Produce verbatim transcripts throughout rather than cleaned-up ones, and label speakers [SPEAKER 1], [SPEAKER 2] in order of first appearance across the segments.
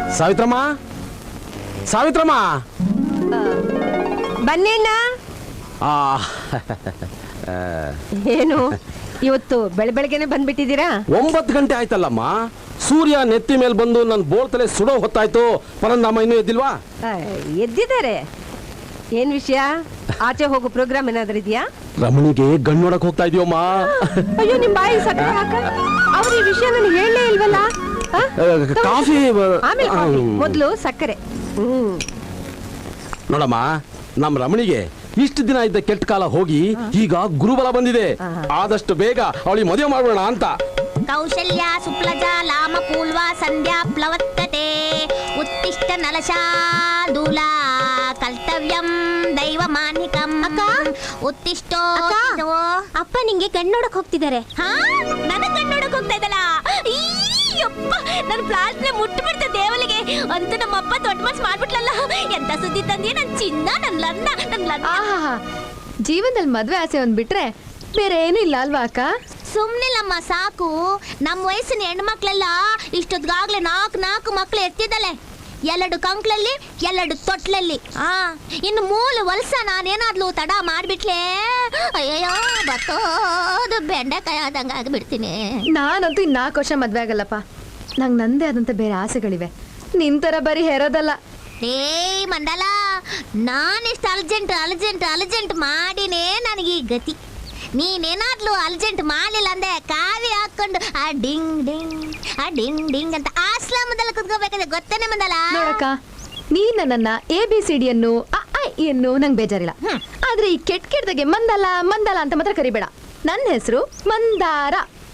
[SPEAKER 1] ಸಾವಿತ್ರಮ್ಮ, ಸಾವಿತ್ರಮ್ಮ
[SPEAKER 2] ಬನ್ನಿಣ್ಣ. ಏನು ಇವತ್ತು ಬೆಳ ಬೆಳಗ್ಗೆನೆ ಬಂದ್ಬಿಟ್ಟಿದ್ದೀರಾ?
[SPEAKER 1] ಒಂಬತ್ತು ಗಂಟೆ ಆಯ್ತಲ್ಲಮ್ಮ. ಸೂರ್ಯ ನೆತ್ತಿ ಮೇಲೆ ಬಂದು ನನ್ನ ಬೋಳ್ತಲೆ ಸುಡೋ ಹೊತ್ತಾಯ್ತು. ಪರಂದಮ್ಮ ಇನ್ನೂ ಎದ್ದಿಲ್ವಾ?
[SPEAKER 2] ಎದ್ದಿದ್ದಾರೆ. ಏನ್ ವಿಷಯ? ಆಚೆ ಹೋಗೋ ಪ್ರೋಗ್ರಾಮ್ ಏನಾದ್ರೂ ಇದೆಯಾ?
[SPEAKER 1] ರಮಣಿಗೆ ಗಣ್ಣು ನೋಡಕ್ ಹೋಗ್ತಾ ಇದೀವಮ್ಮ.
[SPEAKER 2] ಅಯ್ಯೋ ನಿಮ್ ಬಾಯಿ ಸಕ್ಕರೆ ಹಾಕ. ಅವ್ರ ಈ ವಿಷಯ ನನಗೆ ಹೇಳಲೇ ಇಲ್ವಲ್ಲ.
[SPEAKER 1] ಕಾಫಿ
[SPEAKER 2] ಆಮೇಲೆ ಮೊದಲು ಸಕ್ಕರೆ. ಹ್ಮ್
[SPEAKER 1] ನೋಡಮ್ಮ, ನಮ್ ರಮಣಿಗೆ ಇಷ್ಟು ದಿನ ಇದ್ದ ಕೆಟ್ಟ ಕಾಲ ಹೋಗಿ ಈಗ ಗುರುಬಲ ಬಂದಿದೆ. ಆದಷ್ಟು ಬೇಗ ಅವಳಿಗೆ ಮದುವೆ ಮಾಡೋಣ ಅಂತ.
[SPEAKER 3] ಕೌಶಲ್ಯ ಸುಪ್ಲಜಾ ಲಾಮ ಪೂಲ್ವಾ ಸಂಧ್ಯಾ ಪ್ಲವತ್ತತೆ ಉತ್ತಿಷ್ಟ ನಲಶಾದೂಲ ಕರ್ತವ್ಯಂ ದೈವ ಮಾನ್ಯಿಕಂ. ಅಕ್ಕ ಉತ್ತಿಷ್ಟೋ. ಅಪ್ಪ ನಿಂಗೆ ಕಣ್ಣು ನೋಡಕ್ ಹೋಗ್ತಿದ್ದಾರೆ. ಹಾ, ನನಗೆ ಕಣ್ಣು ನೋಡಕ್ ಹೋಗ್ತಾ ಇದ್ದಲ್ಲ. ಅಯ್ಯಪ್ಪ, ನನ್ನ ಪ್ಲಾಸ್ನೆ ಮುಟ್ಟು ಬಿಡ್ತ ದೇವಲಿಗೆ ಅಂತ ನಮ್ಮಪ್ಪ ದೊಡ್ಡ ಮನ್ಸು ಮಾಡ್ಬಿಟ್ಲಲ್ಲ. ಎಂತ ಸುದ್ದಿ ತಂದಿ ನನ್ ಚಿನ್ನ, ನನ್ ಲನ್ನ, ನನ್ ಲನ್ನ.
[SPEAKER 4] ಜೀವನದಲ್ಲಿ ಮದ್ವೆ ಆಸೆ ಒಂದ್ ಬಿಟ್ರೆ ಬೇರೆ ಏನು ಇಲ್ಲ ಅಲ್ವಾ ಅಕ್ಕ?
[SPEAKER 3] ಸುಮ್ನಿಲ್ಲಮ್ಮ, ಸಾಕು. ನಮ್ಮ ವಯಸ್ಸಿನ ಹೆಣ್ಮಕ್ಳೆಲ್ಲ ಇಷ್ಟೊತ್ತಿಗಾಗ್ಲೇ ನಾಲ್ಕು ನಾಲ್ಕು ಮಕ್ಳು ಎತ್ತಿದ್ದಲೆ. ಎರಡು ಕಂಕ್ಳಲ್ಲಿ, ಎರಡು ತೊಟ್ಲಲ್ಲಿ. ಆ ಇನ್ನು ಮೂಲು ವಲ್ಸ ನಾನೇನಾದ್ಲು ತಡ ಮಾಡ್ಬಿಟ್ಲೆ, ಅಯ್ಯಯ್ಯೋ ಬತ್ತೋದು ಬೆಂಡೆಕಾಯಿ ಆದಂಗ ಆಗ್ಬಿಡ್ತೀನಿ.
[SPEAKER 4] ನಾನಂತೂ ಇನ್ ನಾಲ್ಕು ವರ್ಷ ಮದ್ವೆ ಆಗಲ್ಲಪ್ಪ. ನಂಗೆ ನಂದೇ ಆದಂತ ಬೇರೆ ಆಸೆಗಳಿವೆ. ನಿಂತರ ಬರೀ ಹೆರೋದಲ್ಲ.
[SPEAKER 3] ಏಯ್ ಮಂಡಲ, ನಾನಿಷ್ಟು ಅರ್ಜೆಂಟ್ ಅರ್ಜೆಂಟ್ ಅರ್ಜೆಂಟ್ ಮಾಡಿನೇ ನನಗೆ ಈ ಗತಿ. ನೀನೇನಾದ್ಲು ಅರ್ಜೆಂಟ್ ಮಾಡಲಿಲ್ಲ ಅಂದೆ ಕಾವಿ ಹಾಕೊಂಡು ಆ ಡಿಂಗ್ ಡಿಂಗ್ ಆ ಡಿಂಗ್ ಡಿಂಗ್ ಅಂತ ಆಶ್ರಮದಲ್ಲಿ ಕುತ್ಕೋಬೇಕಾದ್ರೆ ಗೊತ್ತೇನೆ ಮಂದಲ.
[SPEAKER 4] ನೋಡಕ್ಕ, ನೀನ್ ನನ್ನ ಎ ಬಿ ಸಿ ಡಿ ಅನ್ನು ಅನ್ನು ನಂಗೆ ಬೇಜಾರಿಲ್ಲ. ಆದ್ರೆ ಈ ಕೆಟ್ಟ ಕೆಟ್ಟದಾಗೆ ಮಂದಲ ಮಂದಲ ಅಂತ ಮಾತ್ರ ಕರಿಬೇಡ. ನನ್ನ ಹೆಸರು ಮಂದಾರ.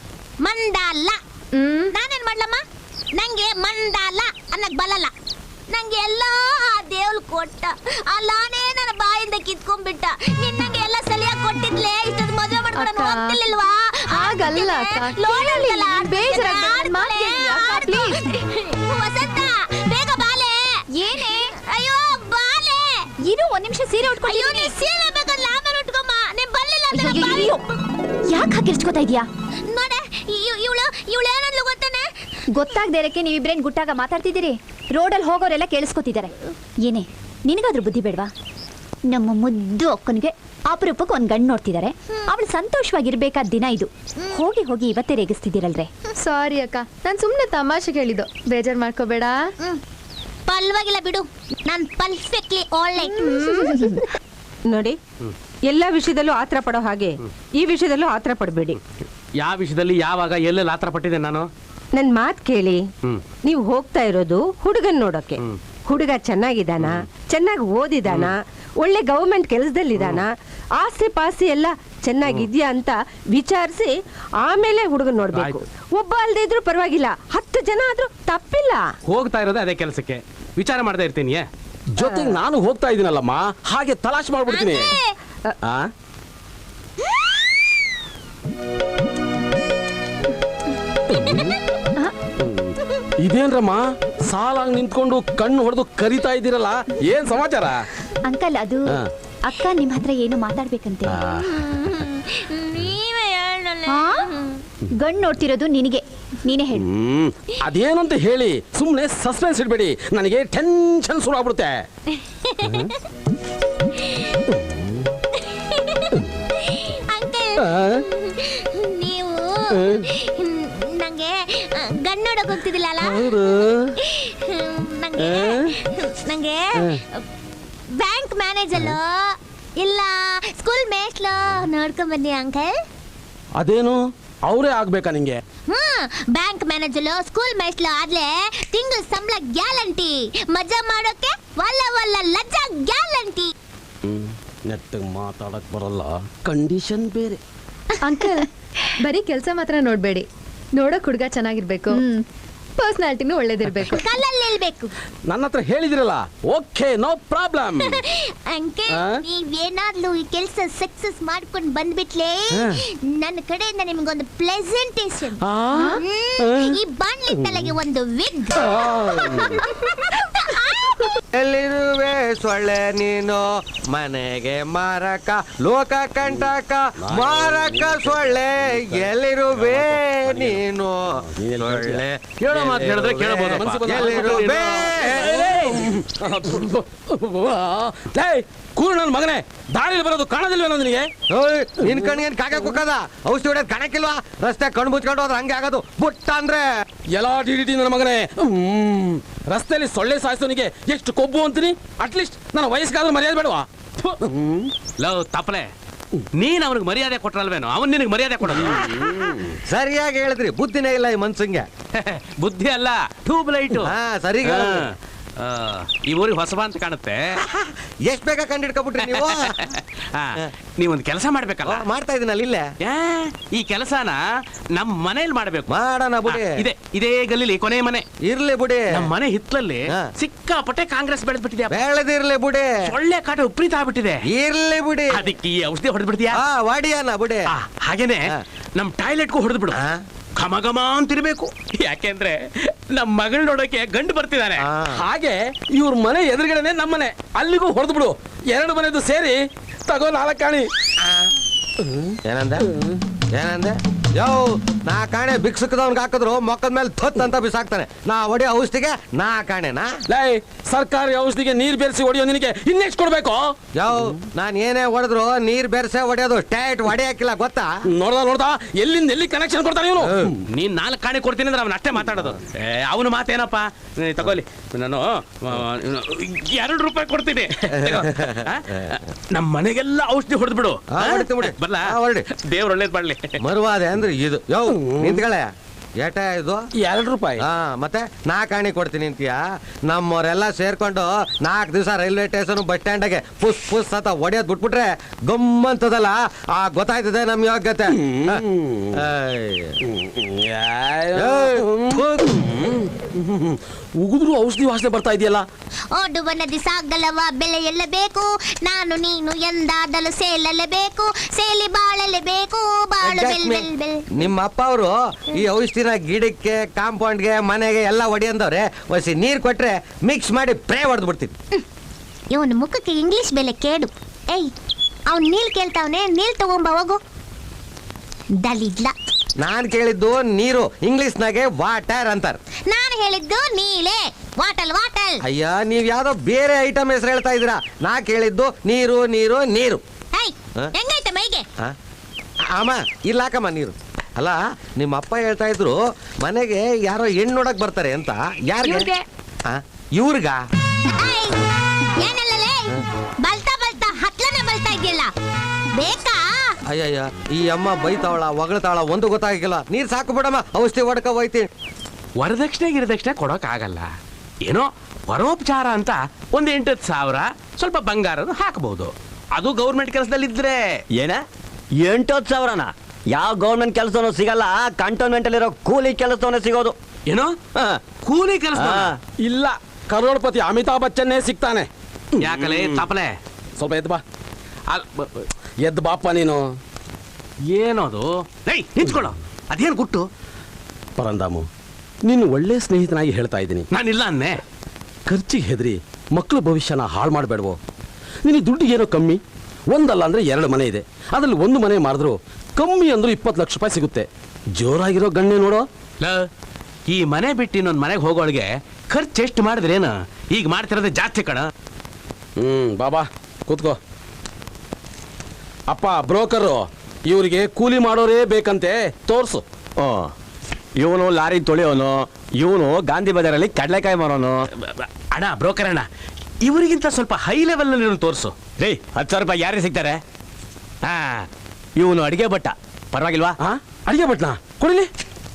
[SPEAKER 3] ಮಂಡಾಲ.
[SPEAKER 4] ಹ್ಮ್
[SPEAKER 3] ನಾನೇನ್ ಮಾಡ್ಲಮ್ಮ? ನಂಗೆ ಮಂಡಾಲ ಅನ್ನಕ್ ಬರಲ್ಲ. ನಂಗೆ ಎಲ್ಲ ಆ ದೇವ್ಲ್ ಕೊಟ್ಟ, ಅಲ್ಲಾನೇ ನನ್ನ ಬಾಯಿಂದ ಕಿತ್ಕೊಂಡ್ಬಿಟ್ಟ. ನಿನ್ನಂಗೆ ಎಲ್ಲ ಸಲಿಯಾಗಿ ಕೊಟ್ಟಿದ್ಲೆ ಇಷ್ಟೊಂದು ಮದುವೆ ಮಾಡ್ಕೊಂಡು ಹೋಗ್ತಿರ್ಲಿಲ್ವಾ?
[SPEAKER 4] ಹಾಗಲ್ಲ ಅಕ್ಕ,
[SPEAKER 3] ಲೋಡಲ್ಲ
[SPEAKER 4] ಬೇಜಾರಾಗ್ಬೇಡ, ಮಾತಾಡಿ ಅಕ್ಕ, ಪ್ಲೀಸ್.
[SPEAKER 3] ವಸಂತ, ಬೇಗ ಬಾಲೆ. ಏನೇ? ಅಯ್ಯೋ ಬಾಲೆ. ಇರು ಒಂದ್ ನಿಮಿಷ ಸೀರೆ ಉಟ್ಕೊಂಡು. ಅಯ್ಯೋ ನೀ ಸೀರೆ ಬೇಕಲ್ಲ, ಆಮೇಲೆ ಉಟ್ಕೊಮ್ಮ. ನೀನ್ ಬರ್ಲಿಲ್ಲ ಅಂದ್ರೆ
[SPEAKER 4] ಯಾಕೆ ಹಾಕಿರ್ಚ್ಕೋತಾ ಇದೀಯಾ?
[SPEAKER 3] ನೋಡೆ, ಇವಳು ಇವಳು ಏನಂದ್ಲು ಗೊತ್ತಾನೆ?
[SPEAKER 5] ಗೊತ್ತಾಗದೇ ಇರಕ್ಕೆ ನೀವಿಬ್ರೇನ್ ಗುಟ್ಟಾಗ ಮಾತಾಡ್ತಿದ್ದೀರಿ. ರೋಡಲ್ಲಿ ಹೋಗೋರೆಲ್ಲ ಕೇಳಿಸ್ಕೊತಿದ್ದಾರೆ. ಏನೇ ನಿನಗಾದ್ರೂ ಬುದ್ಧಿ ಬೇಡವಾ? ನಮ್ಮ ಮುದ್ದು ಅಕ್ಕನಿಗೆ ಅಪರೂಪಕ್ಕೆ ಒಂದು ಗಂಡು ನೋಡ್ತಿದ್ದಾರೆ. ಅವಳು ಸಂತೋಷವಾಗಿರ್ಬೇಕಾದ ದಿನ ಇದು. ಹೋಗಿ ಹೋಗಿ ಇವತ್ತೇ ರೇಗಿಸ್ತಿದ್ದೀರಲ್ರೇ.
[SPEAKER 4] ಸಾರಿ ಅಕ್ಕ, ನಾನು ಸುಮ್ಮನೆ ತಮಾಷೆ ಹೇಳಿದ್ದು, ಬೇಜಾರು ಮಾಡ್ಕೋಬೇಡ.
[SPEAKER 3] ಪಲ್ವಾಗಿಲ್ಲ ಬಿಡು, ನಾನು ಪರ್ಫೆಕ್ಟ್ಲಿ ಒಳ್ಳೆ.
[SPEAKER 2] ನೋಡಿ, ಎಲ್ಲ ವಿಷಯದಲ್ಲೂ ಆತರ ಪಡೋ ಹಾಗೆ ಈ ವಿಷಯದಲ್ಲೂ ಆತರ ಪಡಬೇಡಿ.
[SPEAKER 1] ಯಾವ ವಿಷಯದಲ್ಲಿ ಯಾವಾಗ ಎಲ್ಲೆಲ್ಲಿ ಆತರ ಪಟ್ಟಿದೆ ನಾನು?
[SPEAKER 2] ನನ್ ಮಾತ್ ಕೇಳಿ. ನೀವು ಹೋಗ್ತಾ ಇರೋದು ಹುಡುಗನ್ ನೋಡೋಕೆ. ಹುಡುಗ ಚೆನ್ನಾಗಿದ್ದಾನ, ಚೆನ್ನಾಗಿ ಓದಿದಾನ, ಒಳ್ಳೆ ಗವರ್ಮೆಂಟ್ ಕೆಲಸದಲ್ಲಿದ್ದಾನ, ಆಸ್ತಿ ಪಾಸ್ತಿ ಎಲ್ಲ ಚೆನ್ನಾಗಿದ್ಯಾ ಅಂತ ವಿಚಾರಿಸಿ ಆಮೇಲೆ ಹುಡುಗನ್ ನೋಡ್ಬೇಕು. ಒಬ್ಬ ಅಲ್ದೇ ಇದ್ರು ಪರವಾಗಿಲ್ಲ, ಹತ್ತು ಜನ ಆದ್ರೂ ತಪ್ಪಿಲ್ಲ.
[SPEAKER 6] ಹೋಗ್ತಾ ಇರೋದೇ ಅದೇ ಕೆಲಸಕ್ಕೆ, ವಿಚಾರ ಮಾಡ್ತಾ ಇರ್ತೀನಿ.
[SPEAKER 1] ಜೊತೆಗೆ ನಾನು ಹೋಗ್ತಾ ಇದೀನಲ್ಲಮ್ಮ, ಹಾಗೆ ತಲಾಶ್ ಮಾಡ್ಬಿಡ್ತೀನಿ. ಆ ಇದೇನ್ರಮ್ಮ, ಸಾಲಾಗಿ ನಿಂತ್ಕೊಂಡು ಕಣ್ಣು ಹೊಡೆದು ಕರಿತಾ ಇದ್ದೀರಲ್ಲ, ಏನ್ ಸಮಾಚಾರ?
[SPEAKER 5] ಅಂಕಲ್, ಅದು ಅಕ್ಕ ನಿಮ್ಮ ಹತ್ರ ಏನು ಮಾತಾಡ್ಬೇಕಂತೆ.
[SPEAKER 3] ನೀವೇ ಹೇಳಲ್ಲ.
[SPEAKER 5] ಗಂಡು ನೋಡ್ತಿರೋದು ನಿನಗೆ, ನೀನೇ ಹೇಳು.
[SPEAKER 1] ಹ್ಮ್ ಅದೇನು ಅಂತ ಹೇಳಿ, ಸುಮ್ಮನೆ ಸಸ್ಪೆನ್ಸ್ ಇಡ್ಬೇಡಿ, ನನಗೆ ಟೆನ್ಷನ್ ಶುರು ಆಗ್ಬಿಡುತ್ತೆ.
[SPEAKER 3] ಅಂಕಲ್, ನೀವು ನಂಗೆ ಗಂಡು ನೋಡಕ್ ಹೋಗ್ತಿದ್ದಿಲ್ಲ? ನಂಗೆ ನಂಗೆ ಬ್ಯಾಂಕ್ ಮ್ಯಾನೇಜರ್ ಇಲ್ಲ ಸ್ಕೂಲ್ ಮೇಸ್ಟ್ಲು ನೋಡ್ಕೊಂಡ್ ಬನ್ನಿ ಅಂಕಲ್.
[SPEAKER 1] ಅದೇನು ಅವರೇ ಆಗ್ಬೇಕಾ ನಿಂಗೆ?
[SPEAKER 3] ಹ್ಮ್, ಬ್ಯಾಂಕ್ ಮ್ಯಾನೇಜರ್ ಸ್ಕೂಲ್ ಮೇಸ್ಟ್ಲು ಆದ್ಲೆ ತಿಂಗಳ ಸಂಬಳ ಗ್ಯಾರಂಟಿ, ಮಜಾ ಮಾಡೋಕೆ ವಲ್ಲ ವಲ್ಲ ಲಜ್ಜಾ ಗ್ಯಾರಂಟಿ.
[SPEAKER 1] ನೆಟ್ಟಗೆ ಮಾತಾಡಕ್ ಬರಲ್ಲ, ಕಂಡೀಷನ್ ಬೇರೆ.
[SPEAKER 4] ಅಂಕಲ್, ಬರೀ ಕೆಲಸ ಮಾತ್ರ ನೋಡ್ಬೇಡಿ, ನೋಡೋಕ್ ಹುಡುಗ ಚೆನ್ನಾಗಿರ್ಬೇಕು, ಪರ್ಸನಾಲಿಟಿನೂ ಒಳ್ಳೇದಿರ್ಬೇಕು,
[SPEAKER 3] ಕಲ್ಲಲ್ಲಿ ನಿಲ್ಬೇಕು.
[SPEAKER 1] ನನ್ನ ಹತ್ರ ಹೇಳಿದಿರಲ್ಲ, ಓಕೆ ನೋ ಪ್ರಾಬ್ಲಮ್.
[SPEAKER 3] ಅಂಕಲ್, ನೀವೇನಾದ್ರೂ ಈ ಕೆಲಸ ಸಕ್ಸಸ್ ಮಾಡ್ಕೊಂಡು ಬಂದ್ಬಿಟ್ಲೆ ನನ್ನ ಕಡೆಯಿಂದ ನಿಮ್ಗೊಂದು ಪ್ರೆಸೆಂಟೇಷನ್. ಈ ಬಾಣ್ಲಿ ತಲೆಗೆ ಒಂದು ವಿಗ್.
[SPEAKER 7] ಎಲ್ಲಿರುವೆ ಸೊಳ್ಳೆ ನೀನು ಮನೆಗೆ ಮಾರಕ ಲೋಕ ಕಂಟಕ ಮಾರಕ ಸೊಳ್ಳೆ ಎಲ್ಲಿರುವೆ ನೀನು ಸೊಳ್ಳೆ
[SPEAKER 6] ಹೇಳೋ ಮಾತು ಹೇಳಿದ್ರೆ ಕೇಳಬಹುದು.
[SPEAKER 7] ಎಲ್ಲಿರುವೆ
[SPEAKER 1] ಕೂರು ನನ್ನ ಮಗನೇ, ದಾರಿಲಿ ಬರೋದು ಕಾಣೋದಿಲ್ವೇನೋ ನಿನಗೆ?
[SPEAKER 7] ಓಯ್, ನಿನ್ ಕಣ್ಗೇನ್ ಕಾಗೆ ಕುಕ್ಕದ ಔಷಧಿ ಹೊಡೆಯೋದ್ ಕಾಣಕ್ಕಿಲ್ವಾ? ರಸ್ತೆ ಕಣ್ ಮುಚ್ಕೊಂಡು ಹೋದ್ರೆ ಹಂಗೆ ಆಗೋದು. ಬುಟ್ಟ ಅಂದ್ರೆ
[SPEAKER 1] ಎಲ್ಲ ಡಿ ಡಿ ಟಿ ನನ್ನ ಮಗನೇ. ಹ್ಮ್. ರಸ್ತೆಯಲ್ಲಿ ಸೊಳ್ಳೆ ಸಾಯಿಸೋನಿಗೆ ಎಷ್ಟು ಕೊಬ್ಬು ಅಂತೀನಿ. ಅಟ್ಲೀಸ್ಟ್ ನನ್ನ ವಯಸ್ಸಿಗಾದ್ರೂ ಮರ್ಯಾದೆ ಬೇಡವಾ?
[SPEAKER 6] ಲವ್ ತಪ್ಪಲೆ, ನೀನ್ ಅವನಿಗೆ ಮರ್ಯಾದೆ ಕೊಟ್ರಲ್ವೇನೋ, ಅವನ್ ನಿನಗೆ ಮರ್ಯಾದೆ ಕೊಡೋದು.
[SPEAKER 7] ಸರಿಯಾಗಿ ಹೇಳಿದ್ರಿ, ಬುದ್ಧಿನೇ ಇಲ್ಲ ಈ ಮನ್ಸಂಗೆ.
[SPEAKER 6] ಬುದ್ಧಿ ಅಲ್ಲ, ಟ್ಯೂಬ್ ಲೈಟ್.
[SPEAKER 7] ಹಾ ಸರಿ.
[SPEAKER 6] ಈ ಊರಿಗೆ ಹೊಸಬ ಅಂತ ಕಾಣುತ್ತೆ.
[SPEAKER 7] ಎಷ್ಟ್ ಬೇಗ ಕಂಡಿಡ್ಕೊಬಿಟ್ರಿ ನೀವು?
[SPEAKER 6] ಹಾ, ನೀವೊಂದು ಕೆಲಸ ಮಾಡ್ಬೇಕಲ್ಲ.
[SPEAKER 7] ಮಾಡ್ತಾ ಇದೀನಲ್ಲ ಇಲ್ಲೇ.
[SPEAKER 6] ಏ, ಈ ಕೆಲಸನ ನಮ್ ಮನೇಲಿ ಮಾಡ್ಬೇಕು.
[SPEAKER 7] ಮಾಡೋಣ ಬಿಡಿ.
[SPEAKER 6] ಹಾ, ಇದೆ ಇದೇ ಗಲ್ಲಿಲಿ ಕೊನೆ ಮನೆ.
[SPEAKER 7] ಇರ್ಲಿ ಬಿಡಿ.
[SPEAKER 6] ನಮ್ ಮನೆ ಹಿತ್ಲಲ್ಲಿ
[SPEAKER 7] ಹಾ.
[SPEAKER 6] ಸಿಕ್ಕಾಪಟ್ಟೆ ಕಾಂಗ್ರೆಸ್ ಬೆಳೆದ್ಬಿಟ್ಟಿದೆ.
[SPEAKER 7] ಬೆಳೆದಿರ್ಲಿ ಬಿಡಿ.
[SPEAKER 6] ಒಳ್ಳೆ ಕಾಟ ವಿಪರೀತ ಆಗ್ಬಿಟ್ಟಿದೆ.
[SPEAKER 7] ಇರ್ಲಿ ಬಿಡಿ.
[SPEAKER 6] ಅದಕ್ಕೆ ಈ ಔಷಧಿ ಹೊಡೆದ್ಬಿಡ್ತೀಯಾ?
[SPEAKER 7] ಹಾ ವಾಡಿಯಾನ ಬಿಡಿ.
[SPEAKER 6] ಆ, ಹಾಗೇನೆ
[SPEAKER 7] ಹಾ.
[SPEAKER 6] ನಮ್ ಟಾಯ್ಲೆಟ್ಗೂ ಹೊಡೆದು ಬಿಡು.
[SPEAKER 7] ಹಾ.
[SPEAKER 6] ಘಮ ಘಮ ಅಂತಿರ್ಬೇಕು. ಯಾಕೆಂದ್ರೆ ನಮ್ ಮಗಳ್ ನೋಡೋಕೆ ಗಂಡು ಬರ್ತಿದ್ದಾನೆ.
[SPEAKER 7] ಹಾ.
[SPEAKER 1] ಹಾಗೆ ಇವ್ರ ಮನೆ ಎದುರುಗಡೆನೆ ನಮ್ಮನೆ, ಅಲ್ಲಿಗೂ ಹೊಡೆದು ಬಿಡು. ಎರಡು ಮನೆದು ಸೇರಿ ತಗೋ ನಾಲ್ಕು ಕಾಣಿ.
[SPEAKER 7] ಏನಂದೆ ಏನಂದೆ ಯೋ ನಾ ಕಾಣೆ ಬಿಕ್ಸಕ್ಕದವ್ನಿಗೆ ಹಾಕಿದ್ರು ಮೊಕ್ಕದ ಮೇಲೆ ಥತ್ ಅಂತ ಬಿಸಾಕ್ತಾನೆ. ನಾ ಹೊಡಿ ಔಷಧಿಗೆ ನಾ ಕಾಣೆನಾ?
[SPEAKER 1] ಲೈ, ಸರ್ಕಾರಿ ಔಷಧಿಗೆ ನೀರ್ ಬೆರೆಸಿ ಹೊಡಿಯೋ ನಿನಗೆ ಇನ್ನೆಷ್ಟು ಕೊಡ್ಬೇಕು?
[SPEAKER 7] ಯೋ ನಾನ್ ಏನೇ ಹೊಡೆದ್ರು ನೀರ್ ಬೆರೆಸೆ ಹೊಡೆಯೋದು, ಟೈಟ್ ಹೊಡೆ ಹಾಕಿಲ್ಲ ಗೊತ್ತಾ?
[SPEAKER 1] ನೋಡ್ದ ನೋಡ್ದ ಎಲ್ಲಿಂದ ಎಲ್ಲಿ ಕನೆಕ್ಷನ್ ಕೊಡ್ತಾನೆ ಇವನು.
[SPEAKER 6] ನೀನ್ ನಾಲ್ಕು ಕಾಣೆ ಕೊಡ್ತೀನಿ ಅಂದ್ರೆ ಅವನ ಅಷ್ಟೇ ಮಾತಾಡೋದು. ಅವನು ಮಾತೇನಪ್ಪ, ಏ, ತಗೊಳ್ಳಿ ನಾನು ಆ, ಎರಡು ರೂಪಾಯಿ ಕೊಡ್ತೀನಿ. ತಗೋ. ಆ? ನಮ್ ಮನೆಗೆಲ್ಲ ಔಷಧಿ ಹೊಡೆದು ಬಿಡು.
[SPEAKER 7] ಹಾ, ಹೊಡಿತೀನಿ ಬಿಡಿ.
[SPEAKER 6] ಬರ್ಲಾ?
[SPEAKER 7] ಹಾ, ಹೊರಡಿ.
[SPEAKER 6] ದೇವ್ರ ಒಳ್ಳೇದ್ ಮಾಡ್ಲಿ.
[SPEAKER 7] ಮರುವಾದೆ ಅಂದ್ರೆ ಇದು. ಯೋ ನಿಂತ್ಕಳೆ, ಏಟ ಇದು?
[SPEAKER 1] ಎರಡು ರೂಪಾಯಿ.
[SPEAKER 7] ಹಾ ಮತ್ತೆ ನಾ ಕಾಣಿ ಕೊಡ್ತೀನಿ ಅಂತೀಯ? ನಮ್ಮವರೆಲ್ಲ ಸೇರ್ಕೊಂಡು ನಾಲ್ಕು ದಿವಸ ರೈಲ್ವೆ ಸ್ಟೇಷನ್ ಬಸ್ ಸ್ಟ್ಯಾಂಡ್ಗೆ ಪುಸ್ ಪುಸ್ ಅಂತ ಹೊಡೆಯೋದ್ ಬಿಟ್ಬಿಟ್ರೆ ಗಮ್ಮಂತದಲ್ಲ, ಆ ಗೊತ್ತಾಯ್ತದೆ ನಮ್ ಯೋಗ್ಯತೆ.
[SPEAKER 1] ಉಗಿದ್ರು ಔಷಧಿ ವಾಸನೆ ಬರ್ತಾ ಇದೆಯಲ್ಲ.
[SPEAKER 3] ಓಡುವ ನದಿ ಸಾಗಲವ ಬೆಳೆಯಲೇಬೇಕು, ನಾನು ನೀನು ಎಂದಾದಲು ಸೇಲಲೇಬೇಕು, ಸೇಲಿ ಬಾಳಲೇಬೇಕು, ಬಾಳು ಬೆಲ್ ಬೆಲ್ ಬೆಲ್.
[SPEAKER 7] ನಿಮ್ಮ ಅಪ್ಪ ಅವರು ಈ ಔಷಧಿನ ಗಿಡಕ್ಕೆ ಕಾಂಪೌಂಡ್ಗೆ ಮನೆಗೆ ಎಲ್ಲ ಹೊಡಿಯಂದವ್ರೆ. ಒಸಿ ನೀರ್ ಕೊಟ್ರೆ ಮಿಕ್ಸ್ ಮಾಡಿ ಪ್ರೇ ಹೊಡೆದು ಬಿಡ್ತೀನಿ.
[SPEAKER 3] ಇವನ ಮುಖಕ್ಕೆ ಇಂಗ್ಲಿಷ್ ಬೆಲೆ ಕೇಡು. ಏಯ್, ಅವ್ನ್ ನೀಲ್ ಕೇಳ್ತಾವನೆ, ನೀಲ್ ತಗೊಂಬ ಹೋಗು. ದಲಿದ್ಲ.
[SPEAKER 7] ನಾನ್ ಕೇಳಿದ್ದು ನೀರು, ಇಂಗ್ಲಿಷ್ನಾಗೆ ವಾಟರ್ ಅಂತಾರ.
[SPEAKER 3] ನಾನು ಹೇಳಿದ್ದು ನೀಲೆ, ವಾಟಲ್ ವಾಟಲ್.
[SPEAKER 7] ಅಯ್ಯ ನೀವ್ ಯಾವ್ದೋ ಬೇರೆ ಐಟಮ್ ಹೆಸರು ಹೇಳ್ತಾ ಇದೀರಾ. ನಾ ಕೇಳಿದ್ದು ನೀರು ನೀರು ನೀರು.
[SPEAKER 3] ಏಯ್,
[SPEAKER 7] ಹ?
[SPEAKER 3] ಹೆಂಗೈತೆ ಮೈಗೆ?
[SPEAKER 7] ಆ? ಅಮ್ಮ ಇಲ್ಲಾಕಮ್ಮ ನೀರು. ಅಲ್ಲ ನಿಮ್ಮ ಅಪ್ಪ ಹೇಳ್ತಾ ಇದ್ರು ಮನೆಗೆ ಯಾರೋ ಹೆಣ್ಣು ನೋಡಕ್ ಬರ್ತಾರೆ ಅಂತ. ಯಾರಿಗೆ? ಇವ್ರಿಗ?
[SPEAKER 3] ಏಯ್, ಏನಲ್ಲಲೇ ಬಲ್ತಾ ಬಲ್ತಾ ಹತ್ಲನೆ ಬಲ್ತಾ ಇದೆಯಲ್ಲ, ಬೇಕಾ?
[SPEAKER 7] ಅಯ್ಯಯ್ಯ ಈ ಅಮ್ಮ ಬೈತಾವಳ ಹೊಗಳ್ತಾವಳ ಒಂದು ಗೊತ್ತಾಗಿಲ್ಲ. ನೀರ್ ಸಾಕು ಬಿಡಮ್ಮ, ಔಷಧಿ ಹೊಡ್ಕ ಹೋಯ್ತೀನಿ.
[SPEAKER 6] ವರದಕ್ಷಿಣೆ ಗಿರದಕ್ಷಿಣೆ ಕೊಡೋಕ್ ಆಗಲ್ಲ. ಏನೋ ಪರೋಪಚಾರ ಅಂತ ಒಂದ್ ಎಂಟತ್ತು ಸಾವಿರ ಸ್ವಲ್ಪ ಬಂಗಾರ ಹಾಕಬಹುದು. ಅದು ಗೌರ್ಮೆಂಟ್ ಕೆಲಸದಲ್ಲಿ ಇದ್ರೆ.
[SPEAKER 8] ಏನ ಎಂಟತ್ತು ಸಾವಿರನ? ಯಾವ ಗೌರ್ಮೆಂಟ್ ಕೆಲಸನೂ ಸಿಗಲ್ಲ, ಕಂಟೋನ್ಮೆಂಟ್ ಅಲ್ಲಿರೋ ಕೂಲಿ ಕೆಲಸವನ್ನ ಸಿಗೋದು.
[SPEAKER 6] ಏನೋ
[SPEAKER 8] ಹಾ.
[SPEAKER 6] ಕೂಲಿ ಕೆಲಸ?
[SPEAKER 8] ಹಾ.
[SPEAKER 1] ಇಲ್ಲ, ಕರೋಡ್ಪತಿ ಅಮಿತಾಬ್ ಬಚ್ಚನ್ನೇ ಸಿಗ್ತಾನೆ.
[SPEAKER 6] ಯಾಕಲೆ ತಪ್ಪಲೆ?
[SPEAKER 1] ಸ್ವಲ್ಪ ಎದ್ದು ಬಾ.
[SPEAKER 6] ಅಲ್- ಬ- ಬ-
[SPEAKER 1] ಎದ್ದು ಬಾಪ ನೀನು.
[SPEAKER 6] ಏನದು? ಏಯ್ ನಿಂತ್ಕೊಳ್ಳೋ, ಅದೇನು ಗುಟ್ಟು?
[SPEAKER 1] ಪರಂದಾಮು, ನೀನು ಒಳ್ಳೆ ಸ್ನೇಹಿತನಾಗಿ ಹೇಳ್ತಾ ಇದ್ದೀನಿ.
[SPEAKER 6] ನಾನಿಲ್ಲ ಅನ್ನೆ.
[SPEAKER 1] ಖರ್ಚಿಗೆ ಹೆದರಿ ಮಕ್ಕಳ ಭವಿಷ್ಯನ ಹಾಳು ಮಾಡಬೇಡವೋ. ನಿನಗೆ ದುಡ್ಡು ಏನೋ ಕಮ್ಮಿ, ಒಂದಲ್ಲ ಅಂದ್ರೆ ಎರಡು ಮನೆ ಇದೆ. ಅದರಲ್ಲಿ ಒಂದು ಮನೆ ಮಾರಿದ್ರು ಕಮ್ಮಿ ಅಂದ್ರೂ ಇಪ್ಪತ್ತು ಲಕ್ಷ ರೂಪಾಯಿ ಸಿಗುತ್ತೆ. ಜೋರಾಗಿರೋ ಗಣ್ಣೆ ನೋಡೋ.
[SPEAKER 6] ಲ, ಈ ಮನೆ ಬಿಟ್ಟು ಇನ್ನೊಂದು ಮನೆಗೆ ಹೋಗೋಳಿಗೆ ಖರ್ಚು ಎಷ್ಟು ಮಾಡಿದ್ರೇನು? ಈಗ ಮಾಡ್ತಿರೋದೇ ಜಾಸ್ತಿ ಕಣ.
[SPEAKER 1] ಹ್ಮ್ ಬಾಬಾ ಕೂತ್ಕೋ. ಅಪ್ಪ ಬ್ರೋಕರು, ಇವರಿಗೆ ಕೂಲಿ ಮಾಡೋರೇ ಬೇಕಂತೆ, ತೋರ್ಸು.
[SPEAKER 8] ಓ, ಇವನು ಲಾರಿ ತೊಳೆಯೋನು, ಇವನು ಗಾಂಧಿ ಬಜಾರಲ್ಲಿ ಕಡಲೆಕಾಯಿ ಮಾರೋನು.
[SPEAKER 6] ಬ- ಬ- ಅಣ್ಣ ಬ್ರೋಕರ್ ಅಣ್ಣ, ಇವರಿಗಿಂತ ಸ್ವಲ್ಪ ಹೈ ಲೆವೆಲ್ ನಲ್ಲಿ ತೋರಿಸು.
[SPEAKER 8] ರೀ ಹತ್ತು ಸಾವಿರ ರೂಪಾಯಿ ಯಾರಿಗೆ ಸಿಗ್ತಾರೆ? ಹಾ, ಇವನು ಅಡಿಗೆ ಭಟ್ಟ, ಪರವಾಗಿಲ್ವಾ?
[SPEAKER 1] ಆ ಅಡಿಗೆ ಭಟ್ನ ಕೊಡಿಲಿ.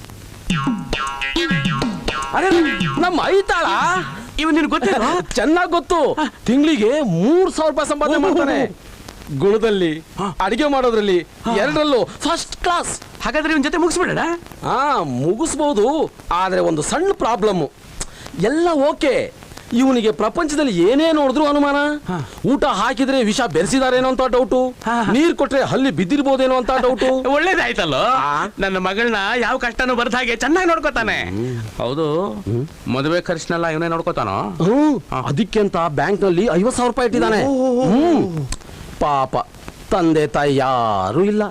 [SPEAKER 1] ಅರೆ ನಮ್ಮ ಐತಾಳ
[SPEAKER 6] ಇವ್ ನಿನ್ ಗೊತ್ತಿಲ್ಲ?
[SPEAKER 1] ಚೆನ್ನಾಗ್ ಗೊತ್ತು. ತಿಂಗಳಿಗೆ ಮೂರ್ ಸಾವಿರ ರೂಪಾಯಿ ಸಂಪಾದನೆ ಮಾಡ್ತಾನೆ. ಗುಣದಲ್ಲಿ, ಅಡಿಗೆ ಮಾಡೋದ್ರಲ್ಲಿ ಎರಡರಲ್ಲೂ ಫಸ್ಟ್ ಕ್ಲಾಸ್.
[SPEAKER 6] ಹಾಗಾದ್ರೆ ಇವನ್ ಜೊತೆ ಮುಗಿಸ್ಬಿಡೋಣ.
[SPEAKER 1] ಹಾ ಮುಗಿಸ್ಬೋದು, ಆದ್ರೆ ಒಂದು ಸಣ್ಣ ಪ್ರಾಬ್ಲಮ್. ಎಲ್ಲ ಓಕೆ, ಇವನಿಗೆ ಪ್ರಪಂಚದಲ್ಲಿ ಏನೇ ನೋಡಿದ್ರು ಅನುಮಾನ. ಊಟ ಹಾಕಿದ್ರೆ ವಿಷ ಬೆರೆಸಿದಾರೇನೋ ಅಂತ ಡೌಟು, ನೀರ್ ಕೊಟ್ರೆ ಹಲ್ಲಿ ಬಿದ್ದಿರ್ಬೋದೇನೋ ಅಂತ ಡೌಟು.
[SPEAKER 6] ಒಳ್ಳೇದಾಯ್ತಲ್ಲೋ, ನನ್ನ ಮಗಳನ್ನ ಯಾವ ಕಷ್ಟನೂ ಬರ್ದ ಹಾಗೆ ಚೆನ್ನಾಗಿ ನೋಡ್ಕೋತಾನೆ. ಹೌದು, ಮದುವೆ ಖರ್ಚಿನೆಲ್ಲ ಇವನೇ ನೋಡ್ಕೋತಾನೋ?
[SPEAKER 1] ಹ್ಮ್ ಅದಕ್ಕೆ ಅಂತ ಬ್ಯಾಂಕ್ ನಲ್ಲಿ ಐವತ್ ಸಾವಿರ ರೂಪಾಯಿ ಇಟ್ಟಿದ್ದಾನೆ. ಹ್ಮ್ ಪಾಪ ತಂದೆ ತಾಯಿ ಯಾರು ಇಲ್ಲ.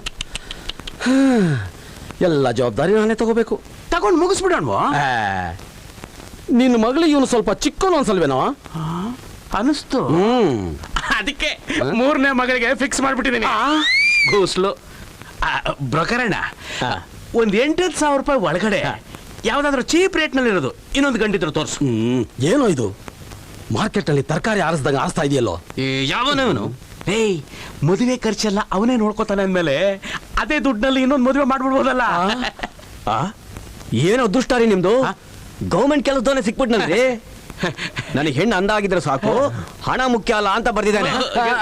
[SPEAKER 1] ಎಲ್ಲ ಜವಾಬ್ದಾರಿ ನಾನೇ ತಗೋಬೇಕು.
[SPEAKER 6] ತಗೊಂಡು ಮುಗಿಸ್ಬಿಡೋಣ.
[SPEAKER 1] ನಿನ್ನ ಮಗಳಿಗೆ ಇವನು ಸ್ವಲ್ಪ ಚಿಕ್ಕನು ಅನ್ಸಲ್ವೇನೋ
[SPEAKER 6] ಅನಿಸ್ತು.
[SPEAKER 1] ಹ್ಮ್
[SPEAKER 6] ಅದಕ್ಕೆ ಮೂರನೇ ಮಗಳಿಗೆ ಫಿಕ್ಸ್ ಮಾಡ್ಬಿಟ್ಟಿದ್ದೀನಿ. ಗೋಸ್ಲು ಬ್ರೋಕರಣ್ಣ, ಒಂದ್ ಎಂಟತ್ತು ಸಾವಿರ ರೂಪಾಯಿ ಒಳಗಡೆ ಯಾವ್ದಾದ್ರು ಚೀಪ್ ರೇಟ್ ನಲ್ಲಿ ಇರೋದು ಇನ್ನೊಂದು ಗಂಟಿದ್ರು ತೋರ್ಸು.
[SPEAKER 1] ಹ್ಮ್ ಏನೋ ಇದು ಮಾರ್ಕೆಟ್ ನಲ್ಲಿ ತರಕಾರಿ ಆರಿಸ್ದಂಗ ಆರಿಸ್ತಾ ಇದೆಯಲ್ಲೋ.
[SPEAKER 6] ಯಾವನವನು? ಏಯ್, ಮದುವೆ ಖರ್ಚೆಲ್ಲ ಅವನೇ ನೋಡ್ಕೋತಾನೆ ಅಂದ್ಮೇಲೆ ಅದೇ ದುಡ್ಡಿನಲ್ಲಿ ಇನ್ನೊಂದು ಮದುವೆ ಮಾಡ್ಬಿಡ್ಬೋದಲ್ಲ.
[SPEAKER 8] ಏನೋ ದುಷ್ಟಾರಿ ನಿಮ್ದು. ಗೌರ್ಮೆಂಟ್ ಕೆಲಸದವನೇ ಸಿಕ್ಬಿಟ್ನಲ್ರಿ. ನನಗೆ ಹೆಣ್ಣು ಅಂದ ಆಗಿದ್ರೆ ಸಾಕು, ಹಣ ಮುಖ್ಯ ಅಲ್ಲ ಅಂತ ಬರ್ದಿದ್ದಾನೆ.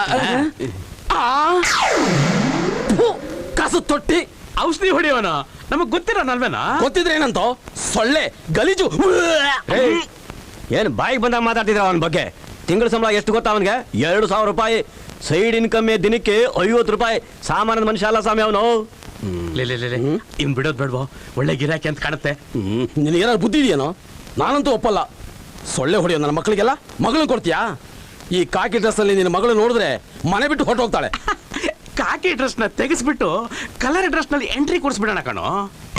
[SPEAKER 1] ಕಸು ತೊಟ್ಟಿ
[SPEAKER 6] ಔಷಧಿ ಹೊಡಿಯೋನ ನಮಗ್ ಗೊತ್ತಿರೋನಲ್ವೇನಾ?
[SPEAKER 1] ಗೊತ್ತಿದ್ರೆ ಏನಂತ ಸೊಳ್ಳೆ ಗಲೀಜು.
[SPEAKER 8] ಏನು ಬಾಯಿಗೆ ಬಂದಾಗ ಮಾತಾಡ್ತಿದ್ರ ಅವನ ಬಗ್ಗೆ? ತಿಂಗಳ ಸಂಬಳ ಎಷ್ಟು ಗೊತ್ತಾ ಅವನಿಗೆ? ಎರಡು ಸಾವಿರ ರೂಪಾಯಿ. ಸೈಡ್ ಇನ್ಕಮ್ ದಿನಕ್ಕೆ ಐವತ್ತು ರೂಪಾಯಿ. ಸಾಮಾನ್ಯ ಮನುಷ್ಯ ಅಲ್ಲ ಸ್ವಾಮಿ ಅವನು.
[SPEAKER 6] ಇನ್ ಬಿಡೋದ್ ಬೇಡ್ವೋ, ಒಳ್ಳೆ ಗಿರಾಕಿ ಅಂತ ಕಾಣುತ್ತೆ.
[SPEAKER 1] ಹ್ಮ್ ನಿನಗೇನಾದ್ರು ಬುದ್ಧಿ ಇದೆಯೇನೋ? ನಾನಂತೂ ಒಪ್ಪಲ್ಲ. ಸೊಳ್ಳೆ ಹೊಡೆಯೋ ನನ್ನ ಮಕ್ಕಳಿಗೆಲ್ಲ ಮಗಳನ್ನ ಕೊಡ್ತೀಯಾ? ಈ ಕಾಕಿ ಡ್ರೆಸ್ ಅಲ್ಲಿ ನಿನ್ನ ಮಗಳು ನೋಡಿದ್ರೆ ಮನೆ ಬಿಟ್ಟು ಹೊಟ್ಟು ಹೋಗ್ತಾಳೆ.
[SPEAKER 6] ಕಾಕಿ ಡ್ರೆಸ್ ನ ತೆಗೆಸ್ಬಿಟ್ಟು ಕಲರ್ ಡ್ರೆಸ್ ನಲ್ಲಿ ಎಂಟ್ರಿ ಕೊಡಿಸ್ಬಿಡೋಣ ಕಣೋ.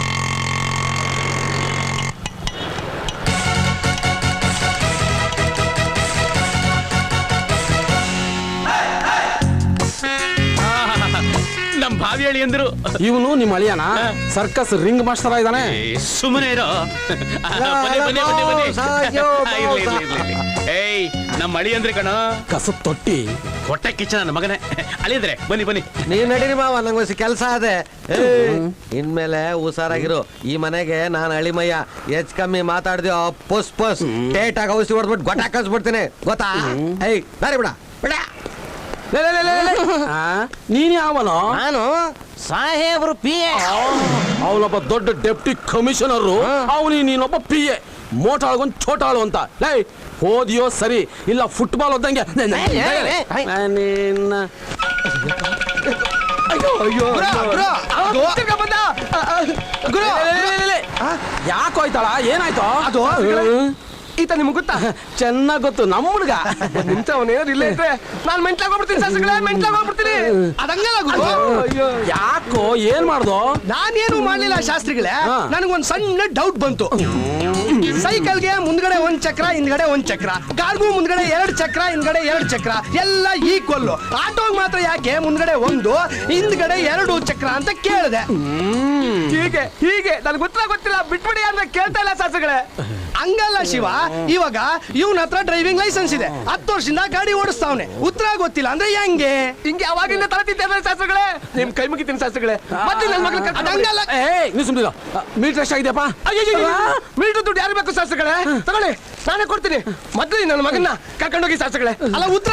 [SPEAKER 6] ನಮ್ ಭಾವಿ ಹೇಳಿ ಅಂದ್ರು.
[SPEAKER 1] ಇವನು ನಿಮ್ಮ ಅಳಿಯನ ಸರ್ಕಸ್ ರಿಂಗ್ ಮಾಸ್ಟರ್ ಇದ್ದಾನೆ.
[SPEAKER 6] ಸುಮ್ಮನೆ ಇರೋ. ಬನ್ನಿ, ಬನ್ನಿ, ಬನ್ನಿ, ಬನ್ನಿ. ಇರ್ಲಿ, ಇರ್ಲಿ, ಇರ್ಲಿ. ಏಯ್, ನಮ್ಮ ಅಳಿ ಅಂದ್ರೆ ಕಣ
[SPEAKER 1] ಕಸ ತೊಟ್ಟಿ
[SPEAKER 6] ಹೊಟ್ಟೆ ಕಿಚ್ಚ ನನ್ನ ಮಗನೇ. ಅಳಿದ್ರೆ ಬನ್ನಿ ಬನ್ನಿ.
[SPEAKER 7] ನೀವ್ ನಡೀರಿ ಮಾವ, ನಂಗೆ ಕೆಲಸ ಅದೇ. ಇನ್ಮೇಲೆ ಹುಷಾರಾಗಿರು. ಈ ಮನೆಗೆ ನಾನು ಅಳಿಮಯ್ಯ. ಹೆಚ್ಚು ಕಮ್ಮಿ ಮಾತಾಡ್ತೀವ ಪುಸ್ ಪುಸ್ ಟೇಟಾಗಿ ಔಷಧಿ ಹೊಡ್ಬಿಟ್ಟು ಗೊಟ್ಟ ಕಳ್ಸ್ಬಿಡ್ತೀನಿ, ಗೊತ್ತಾ? ಏಯ್ ಬಾರಿ ಬಿಡ ಬಿಡ.
[SPEAKER 1] ನೀನ್ ಯಾವನೋ?
[SPEAKER 7] ನಾನು ಸಾಹೇಬ್ರು ಪಿ ಎ.
[SPEAKER 1] ಅವನೊಬ್ಬ ದೊಡ್ಡ ಡೆಪ್ಟಿ ಕಮಿಷನರ್, ಅವನಿ ನೀನೊಬ್ಬ ಪಿ ಎ. ಮೋಟಾಳ್ಗೊಂದು ಚೋಟಾಳು ಅಂತ. ಲೈ ಹೋದಿಯೋ ಸರಿ, ಇಲ್ಲ ಫುಟ್ಬಾಲ್ ಓದಂಗೆ. ಯಾಕೋ ಆಯ್ತಾಳ? ಏನಾಯ್ತು? ಅದು ಈತ ನಿಮ್ಗೆ ಗೊತ್ತಾ? ಚೆನ್ನಾಗ್ ಗೊತ್ತು, ನಮ್ಮ ಹುಡುಗ. ನಿಂತ ಅವನೇನಾದ್ರು ಇಲ್ಲ ಇದ್ರೆ ನಾನು ಮೆಂಟ್ಲಾಗೋಗ್ಬಿಡ್ತೀನಿ. ಸಸ್ಯಗಳೇ ಮೆಂಟ್ಲಾಗೋಗ್ಬಿಡ್ತೀನಿ. ಅದಂಗಲ್ಲ ಗುರು. ಯಾಕೋ ಏನ್ ಮಾಡ್ದು?
[SPEAKER 9] ನಾನೇನು ಮಾಡ್ಲಿಲ್ಲ ಶಾಸ್ತ್ರಿಗಳೇ. ನನಗೊಂದ್ ಸಣ್ಣ ಡೌಟ್ ಬಂತು. ಸೈಕಲ್ಗೆ ಮುಂದ್ಗಡೆ ಒಂದ್ ಚಕ್ರ, ಹಿಂದ್ಗಡೆ ಒಂದ್ ಚಕ್ರ. ಕಾರ್ಗೂ ಮುಂದ್ಗಡೆ ಎರಡ್ ಚಕ್ರ, ಹಿಂದ್ಗಡೆ ಎರಡ್ ಚಕ್ರ, ಎಲ್ಲ ಈಕ್ವಲ್. ಆಟೋಗ್ ಮಾತ್ರ ಯಾಕೆ ಮುಂದ್ಗಡೆ ಒಂದು ಹಿಂದ್ಗಡೆ ಎರಡು ಚಕ್ರ ಅಂತ ಕೇಳಿದೆ. ಹೀಗೆ ಹೀಗೆ ನನ್ಗೆ ಉತ್ತರ ಗೊತ್ತಿಲ್ಲ, ಬಿಟ್ಬಿಡಿ ಅಂದ್ರೆ ಕೇಳ್ತಾ ಇಲ್ಲ ಶಾಸ್ತ್ರಿಗಳೇ. ಹಂಗಲ್ಲ ಶಿವ, ಇವಾಗ ಇವನ ಹತ್ರ ಡ್ರೈವಿಂಗ್ ಲೈಸೆನ್ಸ್ ಇದೆ, ಹತ್ತು ವರ್ಷದಿಂದ ಗಾಡಿ ಓಡಿಸ್ತಾವನೆ. ಉತ್ತರ ಗೊತ್ತಿಲ್ಲ ಅಂದ್ರೆ ಹೆಂಗೆ? ಹಿಂಗೆ ಅವಾಗಿಂದ ತಲತಿದ್ದೇವೆ ಶಾಸ್ತ್ರಗಳೇ. ನಿಮ್ ಕೈ ಮುಗಿತೀನಿ ಶಾಸ್ತ್ರಗಳೇ. ಮತ್ತೆ ನನ್ನ ಮಗಳ ಹಂಗಲ್ಲ.
[SPEAKER 1] ನೀವು ಸುಮ್ಮನೆ ಮೀಟರ್ ಎಷ್ಟಾಗಿದೆಯಪ್ಪ?
[SPEAKER 9] ಮೀಟರ್ ದುಡ್ಡು ಯಾರು ಬೇಕು ಶಾಸ್ತ್ರಗಳೇ? ತಗೊಳ್ಳಿ, ನಾನೇ ಕೊಡ್ತೀನಿ. ಮೊದ್ಲು ನನ್ನ ಮಗನ್ನ ಕರ್ಕೊಂಡೋಗಿ ಶಾಸ್ತ್ರಗಳೇ. ಅಲ್ಲ ಉತ್ತರ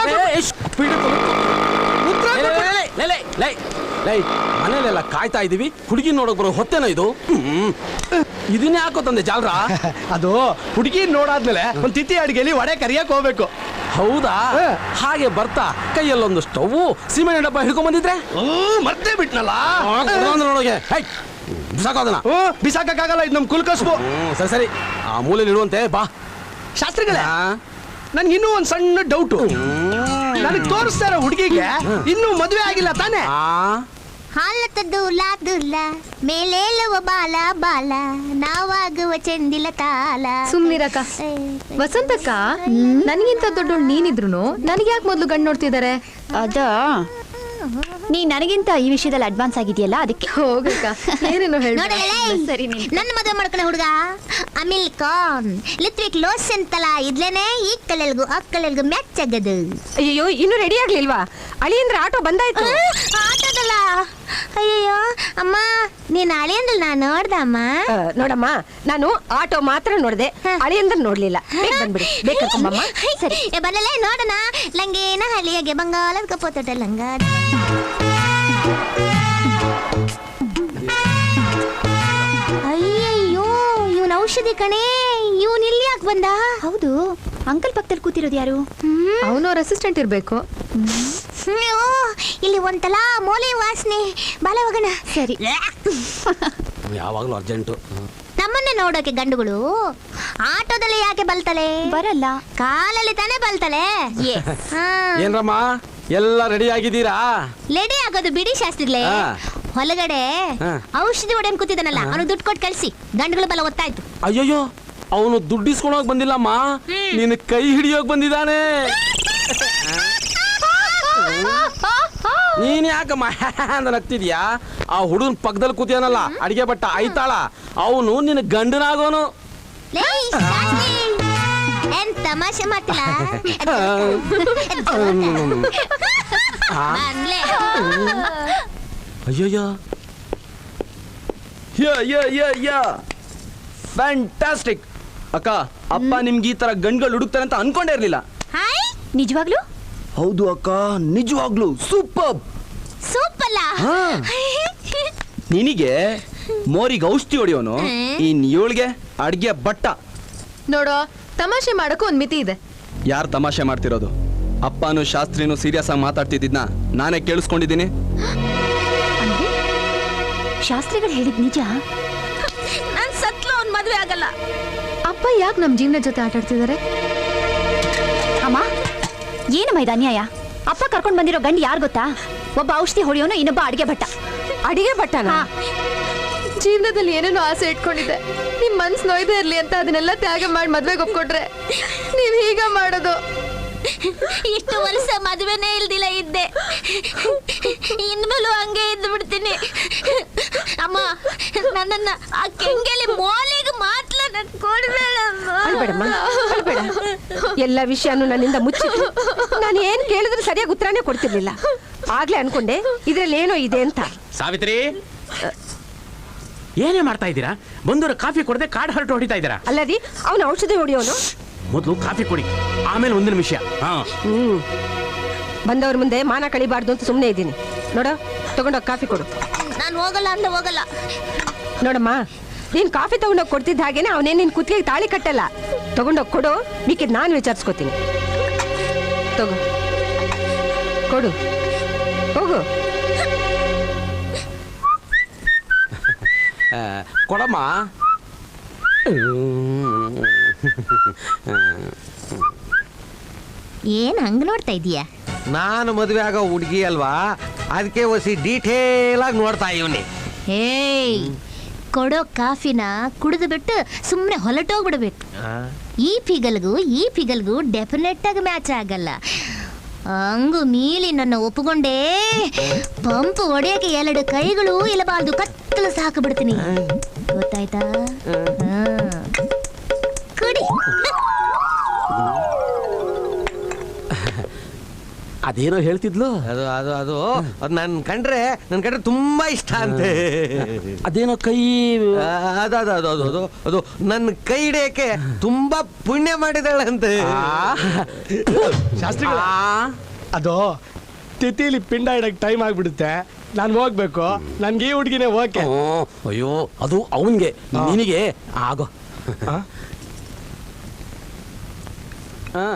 [SPEAKER 1] ಮನೇಲೆಲ್ಲ ಕಾಯ್ತಾ ಇದೀವಿ, ಹುಡುಗಿ ನೋಡಕ್ ಬರೋ ಹೊತ್ತೇನೋ ಇದು. ಇದನ್ನೇ ಹಾಕೋ ತಂದೆ ಜಾಲ್ರ.
[SPEAKER 9] ಅದು ಹುಡುಗಿ ನೋಡಾದ್ಮೇಲೆ ಒಂದ್ ತಿಥಿ ಅಡಿಗೆಲಿ ವಡೆ ಕರಿಯಕ್ ಹೋಗ್ಬೇಕು.
[SPEAKER 1] ಹೌದಾ? ಹಾಗೆ ಬರ್ತಾ ಕೈಯಲ್ಲೊಂದು ಸ್ಟವ್, ಸಿಮೆಂಟ್ ಡಬ್ಬ ಹಿಡ್ಕೊಂಡ್ ಬಂದಿದ್ರೆ
[SPEAKER 9] ಮರ್ತೇ ಬಿಟ್ನಲ್ಲ.
[SPEAKER 1] ನೋಡೋಗೆ ಬಿಸಾಕೋದನ್ನ.
[SPEAKER 9] ಬಿಸಾಕಕ್ಕಾಗಲ್ಲ, ಇದು ನಮ್ ಕುಲ್ಕಸ್ಬು.
[SPEAKER 1] ಸರಿ ಸರಿ, ಆ ಮೂಲೆಯಲ್ಲಿ ಇಡುವಂತೆ ಬಾ.
[SPEAKER 9] ಶಾಸ್ತ್ರಿಗಳೇ, ನನ್ಗೆ ಇನ್ನೂ ಒಂದ್ ಸಣ್ಣ ಡೌಟು. ನನಗೆ ತೋರಿಸ್ತಾರ ಹುಡುಗಿಗೆ ಇನ್ನೂ ಮದುವೆ ಆಗಿಲ್ಲ ತಾನೇ?
[SPEAKER 3] ಹಾಲತ ದೂಲ ದೂಲ ಮೇಲೇಳುವ ಬಾಲ ಬಾಲ ನಾವಾಗುವ ಚೆಂದಿಲ ತಾಲ.
[SPEAKER 4] ಸುಮ್ನಿರಕ್ಕ. ವಸಂತಕ್ಕ, ನನಗಿಂತ ದೊಡ್ಡೋಳು ನೀನಿದ್ರು ನನಗೆ ಯಾಕೆ ಮೊದ್ಲು ಗಂಡು ನೋಡ್ತಿದ್ದಾರೆ?
[SPEAKER 5] ಅದ ನೀ ನನಗಿಂತ ಈ ವಿಷಯದಲ್ಲಿ ಅಡ್ವಾನ್ಸ್ ಆಗಿದೆಯಲ್ಲ, ಅದಕ್ಕೆ.
[SPEAKER 4] ಹೋಗಕ್ಕ, ಏನೇನೋ ಹೇಳ.
[SPEAKER 3] ಸರಿ, ನನ್ನ ಮದುವೆ ಮಾಡ್ಕೊಂಡ ಹುಡುಗ ಅಮಿಲ್ ಖಾನ್ ಲಿತ್ವಿಕ್ ಲೋಸ್ ಅಂತಲ್ಲ, ಇದ್ಲೇನೆ ಈ ಕಲೆಲ್ಗು ಆ ಕಲೆಲ್ಗು ಮ್ಯಾಚ್ ಆಗದು.
[SPEAKER 2] ಅಯ್ಯೋ, ಇನ್ನು ರೆಡಿ ಆಗ್ಲಿಲ್ವಾ? ಅಳಿಯಂದ್ರ ಆಟೋ ಬಂದಾಯ್ತು.
[SPEAKER 3] ಆಟೋದಲ್ಲ, ಅಯ್ಯಯ್ಯೋ ಅಮ್ಮ, ನೀನ್ ಅಳಿಯಂದ್ರ ನಾ ನೋಡ್ದಮ್ಮ.
[SPEAKER 2] ನೋಡಮ್ಮ, ನಾನು ಆಟೋ ಮಾತ್ರ ನೋಡ್ದೆ, ಅಳಿಯಂದ್ರ ನೋಡ್ಲಿಲ್ಲ. ಬೇಗ ಬಂದ್ಬಿಡಿ, ಬೇಕಮ್ಮ.
[SPEAKER 3] ಸರಿ ಬರಲೇ ನೋಡೋಣ. ಲಂಗೇನ ಹಳಿಯಾಗೆ ಬಂಗಾಲದ ಕಪೋತಟ ಲಂಗ. ಅಯ್ಯಯ್ಯೋ, ಇವನ್ ಔಷಧಿ ಕಣೆ. ಇವನ್ ಇಲ್ಲಿ ಯಾಕೆ ಬಂದ?
[SPEAKER 5] ಹೌದು, ಅಂಕಲ್ ಪಕ್ಕದಲ್ಲಿ ಕೂತಿರೋದು ಯಾರು?
[SPEAKER 4] ಅವನು ಅವ್ರ ಅಸಿಸ್ಟೆಂಟ್ ಇರ್ಬೇಕು.
[SPEAKER 3] ಅಯ್ಯೋ, ಇಲ್ಲಿ ಒಂತಲ ಮೋಲಿ ವಾಸನೆ. ಬಾಲೆ ಹೋಗೋಣ.
[SPEAKER 5] ಸರಿ.
[SPEAKER 1] ಯಾವಾಗಲೂ ಅರ್ಜೆಂಟು.
[SPEAKER 3] ನಮ್ಮನ್ನೇ ನೋಡೋಕೆ ಗಂಡುಗಳು ಆಟೋದಲ್ಲಿ ಯಾಕೆ ಬಲ್ತಲೆ?
[SPEAKER 5] ಬರಲ್ಲ,
[SPEAKER 3] ಕಾಲಲ್ಲಿ ತಾನೇ ಬಲ್ತಲೆ.
[SPEAKER 1] ಏನ್ರಮ್ಮ ಎಲ್ಲ ರೆಡಿ ಆಗಿದ್ದೀರಾ?
[SPEAKER 3] ಲೆಡಿ ಆಗೋದು ಬಿಡಿ ಶಾಸ್ತ್ರಿಗಳೇ.
[SPEAKER 1] ಹಾ.
[SPEAKER 3] ಹೊಲಗಡೆ
[SPEAKER 1] ಹಾ.
[SPEAKER 3] ಔಷಧಿ ಹೊಡೆಯನ್ ಕೂತಿದ್ದಾನಲ್ಲ, ಅವನು ದುಡ್ಡು ಕೊಟ್ಟು ಕಳ್ಸಿ. ಗಂಡುಗಳ ಬಲ ಗೊತ್ತಾಯ್ತು.
[SPEAKER 1] ಅಯ್ಯಯ್ಯೋ, ಅವನು ದುಡ್ಡಿಸ್ಕೊಳೋಕ್ ಬಂದಿಲ್ಲಮ್ಮ, ನಿನ್ನ ಕೈ ಹಿಡಿಯೋಕ್ ಬಂದಿದ್ದಾನೆ. ನೀನ್ ಯಾಕಮ್ಮ ಅಂತ ನಗ್ತಿದ್ಯಾ? ಆ ಹುಡುಗನ್ ಪಕ್ಕದಲ್ಲಿ ಕೂತಿಯಾನಲ್ಲ ಅಡಿಗೆ ಬಟ್ಟ ಆಯ್ತಾಳ, ಅವನು ನಿನ್ನ ಗಂಡನಾಗೋನು.
[SPEAKER 3] ಲೇ, ಶಾಸ್ತ್ರಿ, ಏನ್ ತಮಾಷೆ ಮಾಡ್ತಿಲ್ಲ? ಬಂದ್ಲೆ.
[SPEAKER 1] ಅಯ್ಯಯ್ಯೋ,
[SPEAKER 10] ಫ್ಯಾಂಟಾಸ್ಟಿಕ್ ಅಕ್ಕ. ಅಪ್ಪ ನಿಮ್ಗೆ ಈ ತರ ಗಂಡ್ಗಳು ಹುಡುಕ್ತಾರೆ ಅಂತ ಅನ್ಕೊಂಡೇ ಇರ್ಲಿಲ್ಲ.
[SPEAKER 3] ಹಾಯ್,
[SPEAKER 5] ನಿಜವಾಗ್ಲೂ?
[SPEAKER 10] ಹೌದು ಅಕ್ಕ, ನಿಜವಾಗ್ಲು ಸೂಪರ್.
[SPEAKER 3] ಸೂಪಲ್ಲ.
[SPEAKER 10] ನಿನಗೆ ಮೋರಿಗೆ ಔಷಧಿ ಹೊಡಿಯೋನು, ಇನ್ ಇವಳಿಗೆ ಅಡ್ಗೆ ಬಟ್ಟ.
[SPEAKER 4] ನೋಡೋ, ತಮಾಷೆ ಮಾಡಕ್ಕೂ ಒಂದ್ ಮಿತಿ ಇದೆ.
[SPEAKER 10] ಯಾರು ತಮಾಷೆ ಮಾಡ್ತಿರೋದು? ಅಪ್ಪನು ಶಾಸ್ತ್ರಿನೂ ಸೀರಿಯಸ್ ಆಗಿ ಮಾತಾಡ್ತಿದ್ದಿದ್ನ ನಾನೇ ಕೇಳಿಸ್ಕೊಂಡಿದ್ದೀನಿ.
[SPEAKER 5] ಅಂದ್ರೆ ಶಾಸ್ತ್ರಿಗಳು ಹೇಳಿದ್ ನಿಜ?
[SPEAKER 3] ನಾನ್ ಸತ್ಲು ಅವ್ನ್ ಮದ್ವೆ ಆಗಲ್ಲ.
[SPEAKER 4] ಅಪ್ಪ ಯಾಕೆ ನಮ್ ಜೀವನ ಜೊತೆ ಆಟಾಡ್ತಿದ್ದಾರೆ?
[SPEAKER 5] ಅಮ್ಮ, ಏನಮ್ಮ ಇದು ಅನ್ಯಾಯ? ಅಪ್ಪ ಕರ್ಕೊಂಡ್ ಬಂದಿರೋ ಗಂಡು ಯಾರು ಗೊತ್ತಾ? ಒಬ್ಬ ಔಷಧಿ ಹೊಡೆಯೋನು, ಇನ್ನೊಬ್ಬ ಅಡಿಗೆ ಭಟ್ಟ.
[SPEAKER 2] ಅಡಿಗೆ ಬಟ್ಟನ?
[SPEAKER 4] ಜೀವನದಲ್ಲಿ ಏನೇನೋ ಆಸೆ ಇಟ್ಕೊಂಡಿದ್ದೆ. ನಿಮ್ ಮನ್ಸ್ ನೋಯ್ದೇ ಇರ್ಲಿ ಅಂತ ಅದನ್ನೆಲ್ಲ ತ್ಯಾಗ ಮಾಡಿ ಮದ್ವೆಗೆ ಒಪ್ಕೊಟ್ರೆ ನೀವ್ ಹೀಗ ಮಾಡೋದು?
[SPEAKER 3] ಇಷ್ಟು ವರ್ಷ ಮದುವೆನೇ ಇಲ್ದಿಲ್ಲ ಇದ್ದೆ, ಇನ್ಮೇಲೂ ಹಂಗೆ ಇದ್ದು ಬಿಡ್ತೀನಿ. ಅಮ್ಮ, ನನ್ನನ್ನ ಆ ಕೆಂಗೆಲಿ ಮೋಲಿಗೆ ಮಾತ್ರ ನನ್ ಕೊಡ್ಬೇಡಮ್ಮ.
[SPEAKER 2] ಅಳ್ಬೇಡಮ್ಮ, ಅಳ್ಬೇಡ. ಎಲ್ಲ ವಿಷಯನೂ ನನ್ನಿಂದ ಮುಚ್ಚಿಟ್ಟು ನಾನು ಏನ್ ಕೇಳಿದ್ರು ಸರಿಯಾಗಿ ಉತ್ತರನೇ ಕೊಡ್ತಿರ್ಲಿಲ್ಲ. ಆಗ್ಲೇ ಅನ್ಕೊಂಡೆ ಇದ್ರಲ್ಲಿ ಏನೋ ಇದೆ ಅಂತ.
[SPEAKER 6] ಸಾವಿತ್ರಿ, ಏನೇ ಮಾಡ್ತಾ ಇದ್ದೀರಾ? ಬಂದವರು ಕಾಫಿ ಕೊಡದೆ ಕಾಡ್ ಹರಟು ಹೊಡಿತಾ ಇದ್ದೀರಾ?
[SPEAKER 2] ಅಲ್ಲದಿ ಅವನ ಔಷಧಿ ಹೊಡಿಯೋನು.
[SPEAKER 6] ಮೊದಲು ಕಾಫಿ ಕೊಡಿ, ಆಮೇಲೆ ಒಂದಿನ ವಿಷಯ. ಹಾ,
[SPEAKER 2] ಹ್ಮ್ ಬಂದವ್ರ ಮುಂದೆ ಮಾನ ಕಳಿಬಾರ್ದು ಅಂತ ಸುಮ್ಮನೆ ಇದ್ದೀನಿ. ನೋಡು, ತಗೊಂಡೋಗಿ ಕಾಫಿ ಕೊಡು.
[SPEAKER 3] ನಾನು ಹೋಗಲ್ಲ ಅಂತ ಹೋಗಲ್ಲ.
[SPEAKER 2] ನೋಡಮ್ಮ, ನೀನ್ ಕಾಫಿ ತಗೊಂಡೋಗಿ ಕೊಡ್ತಿದ್ದ ಹಾಗೇನೆ ಅವನೇನ್ ನಿನ್ ಕುತ್ತಿಗೆ ತಾಳಿ ಕಟ್ಟಲ್ಲ. ತಗೊಂಡೋಗಿ ಕೊಡು, ಮಿಕ್ಕಿದ್ ನಾನು ವಿಚಾರಿಸ್ಕೋತೀನಿ. ತಗೋ, ಕೊಡು, ಹೋಗು.
[SPEAKER 1] ಕೊಡಮ್ಮ.
[SPEAKER 3] ಏನ್ ಹಂಗ ನೋಡ್ತಾ ಇದೀಯ?
[SPEAKER 7] ನಾನು ಮದುವೆ ಆಗೋ ಹುಡುಗಿ ಅಲ್ವಾ, ಅದಕ್ಕೆ ಒಸಿ ಡೀಟೇಲ್ ಆಗಿ ನೋಡ್ತಾ ಇವನಿ.
[SPEAKER 3] ಏಯ್, ಕೊಡೋ ಕಾಫಿನ ಕುಡಿದು ಬಿಟ್ಟು ಸುಮ್ಮನೆ ಹೊಲಟೋಗ್ಬಿಡ್ಬೇಕು. ಈ ಪಿಗಲ್ಗೂ ಈ ಪಿಗಲ್ಗೂ ಡೆಫಿನೆಟ್ ಆಗಿ ಮ್ಯಾಚ್ ಆಗಲ್ಲ. ಹಂಗು ಮೀಲಿ ನನ್ನ ಒಪ್ಪುಗೊಂಡೇ ಪಂಪ್ ಹೊಡೆಯಕ್ಕೆ ಎರಡು ಕೈಗಳು ಇಲ್ಲಬಾರ್ದು, ಕತ್ತಲು ಸಾಕು ಬಿಡ್ತೀನಿ. ಗೊತ್ತಾಯ್ತಾ? ಕುಡಿ.
[SPEAKER 1] ಅದೇನೋ ಹೇಳ್ತಿದ್ಲು.
[SPEAKER 7] ಅದು ಅದು ಅದು ಅದು ನನ್ ಕಂಡ್ರೆ ನನ್ ಕಂಡ್ರೆ ತುಂಬಾ ಇಷ್ಟ ಅಂತೆ.
[SPEAKER 1] ಅದೇನೋ ಕೈ
[SPEAKER 7] ಅದು ಅದು ಅದು ಅದು ಅದು ಅದು ನನ್ನ ಕೈ ಹಿಡಿಯಕ್ಕೆ ತುಂಬಾ ಪುಣ್ಯ ಮಾಡಿದಾಳಂತೆ.
[SPEAKER 9] ಶಾಸ್ತ್ರಿಗಳ, ಅದು ತಿಥಿಲಿ ಪಿಂಡ ಇಡಕ್ ಟೈಮ್ ಆಗ್ಬಿಡುತ್ತೆ. ನಾನು ಹೋಗ್ಬೇಕು. ನನ್ಗೆ ಈ ಹುಡುಗಿನೇ ಓಕೆ.
[SPEAKER 1] ಅಯ್ಯೋ, ಅದು ಅವನ್ಗೆ, ನಿನಗೆ ಆಗೋ. ಹಾ,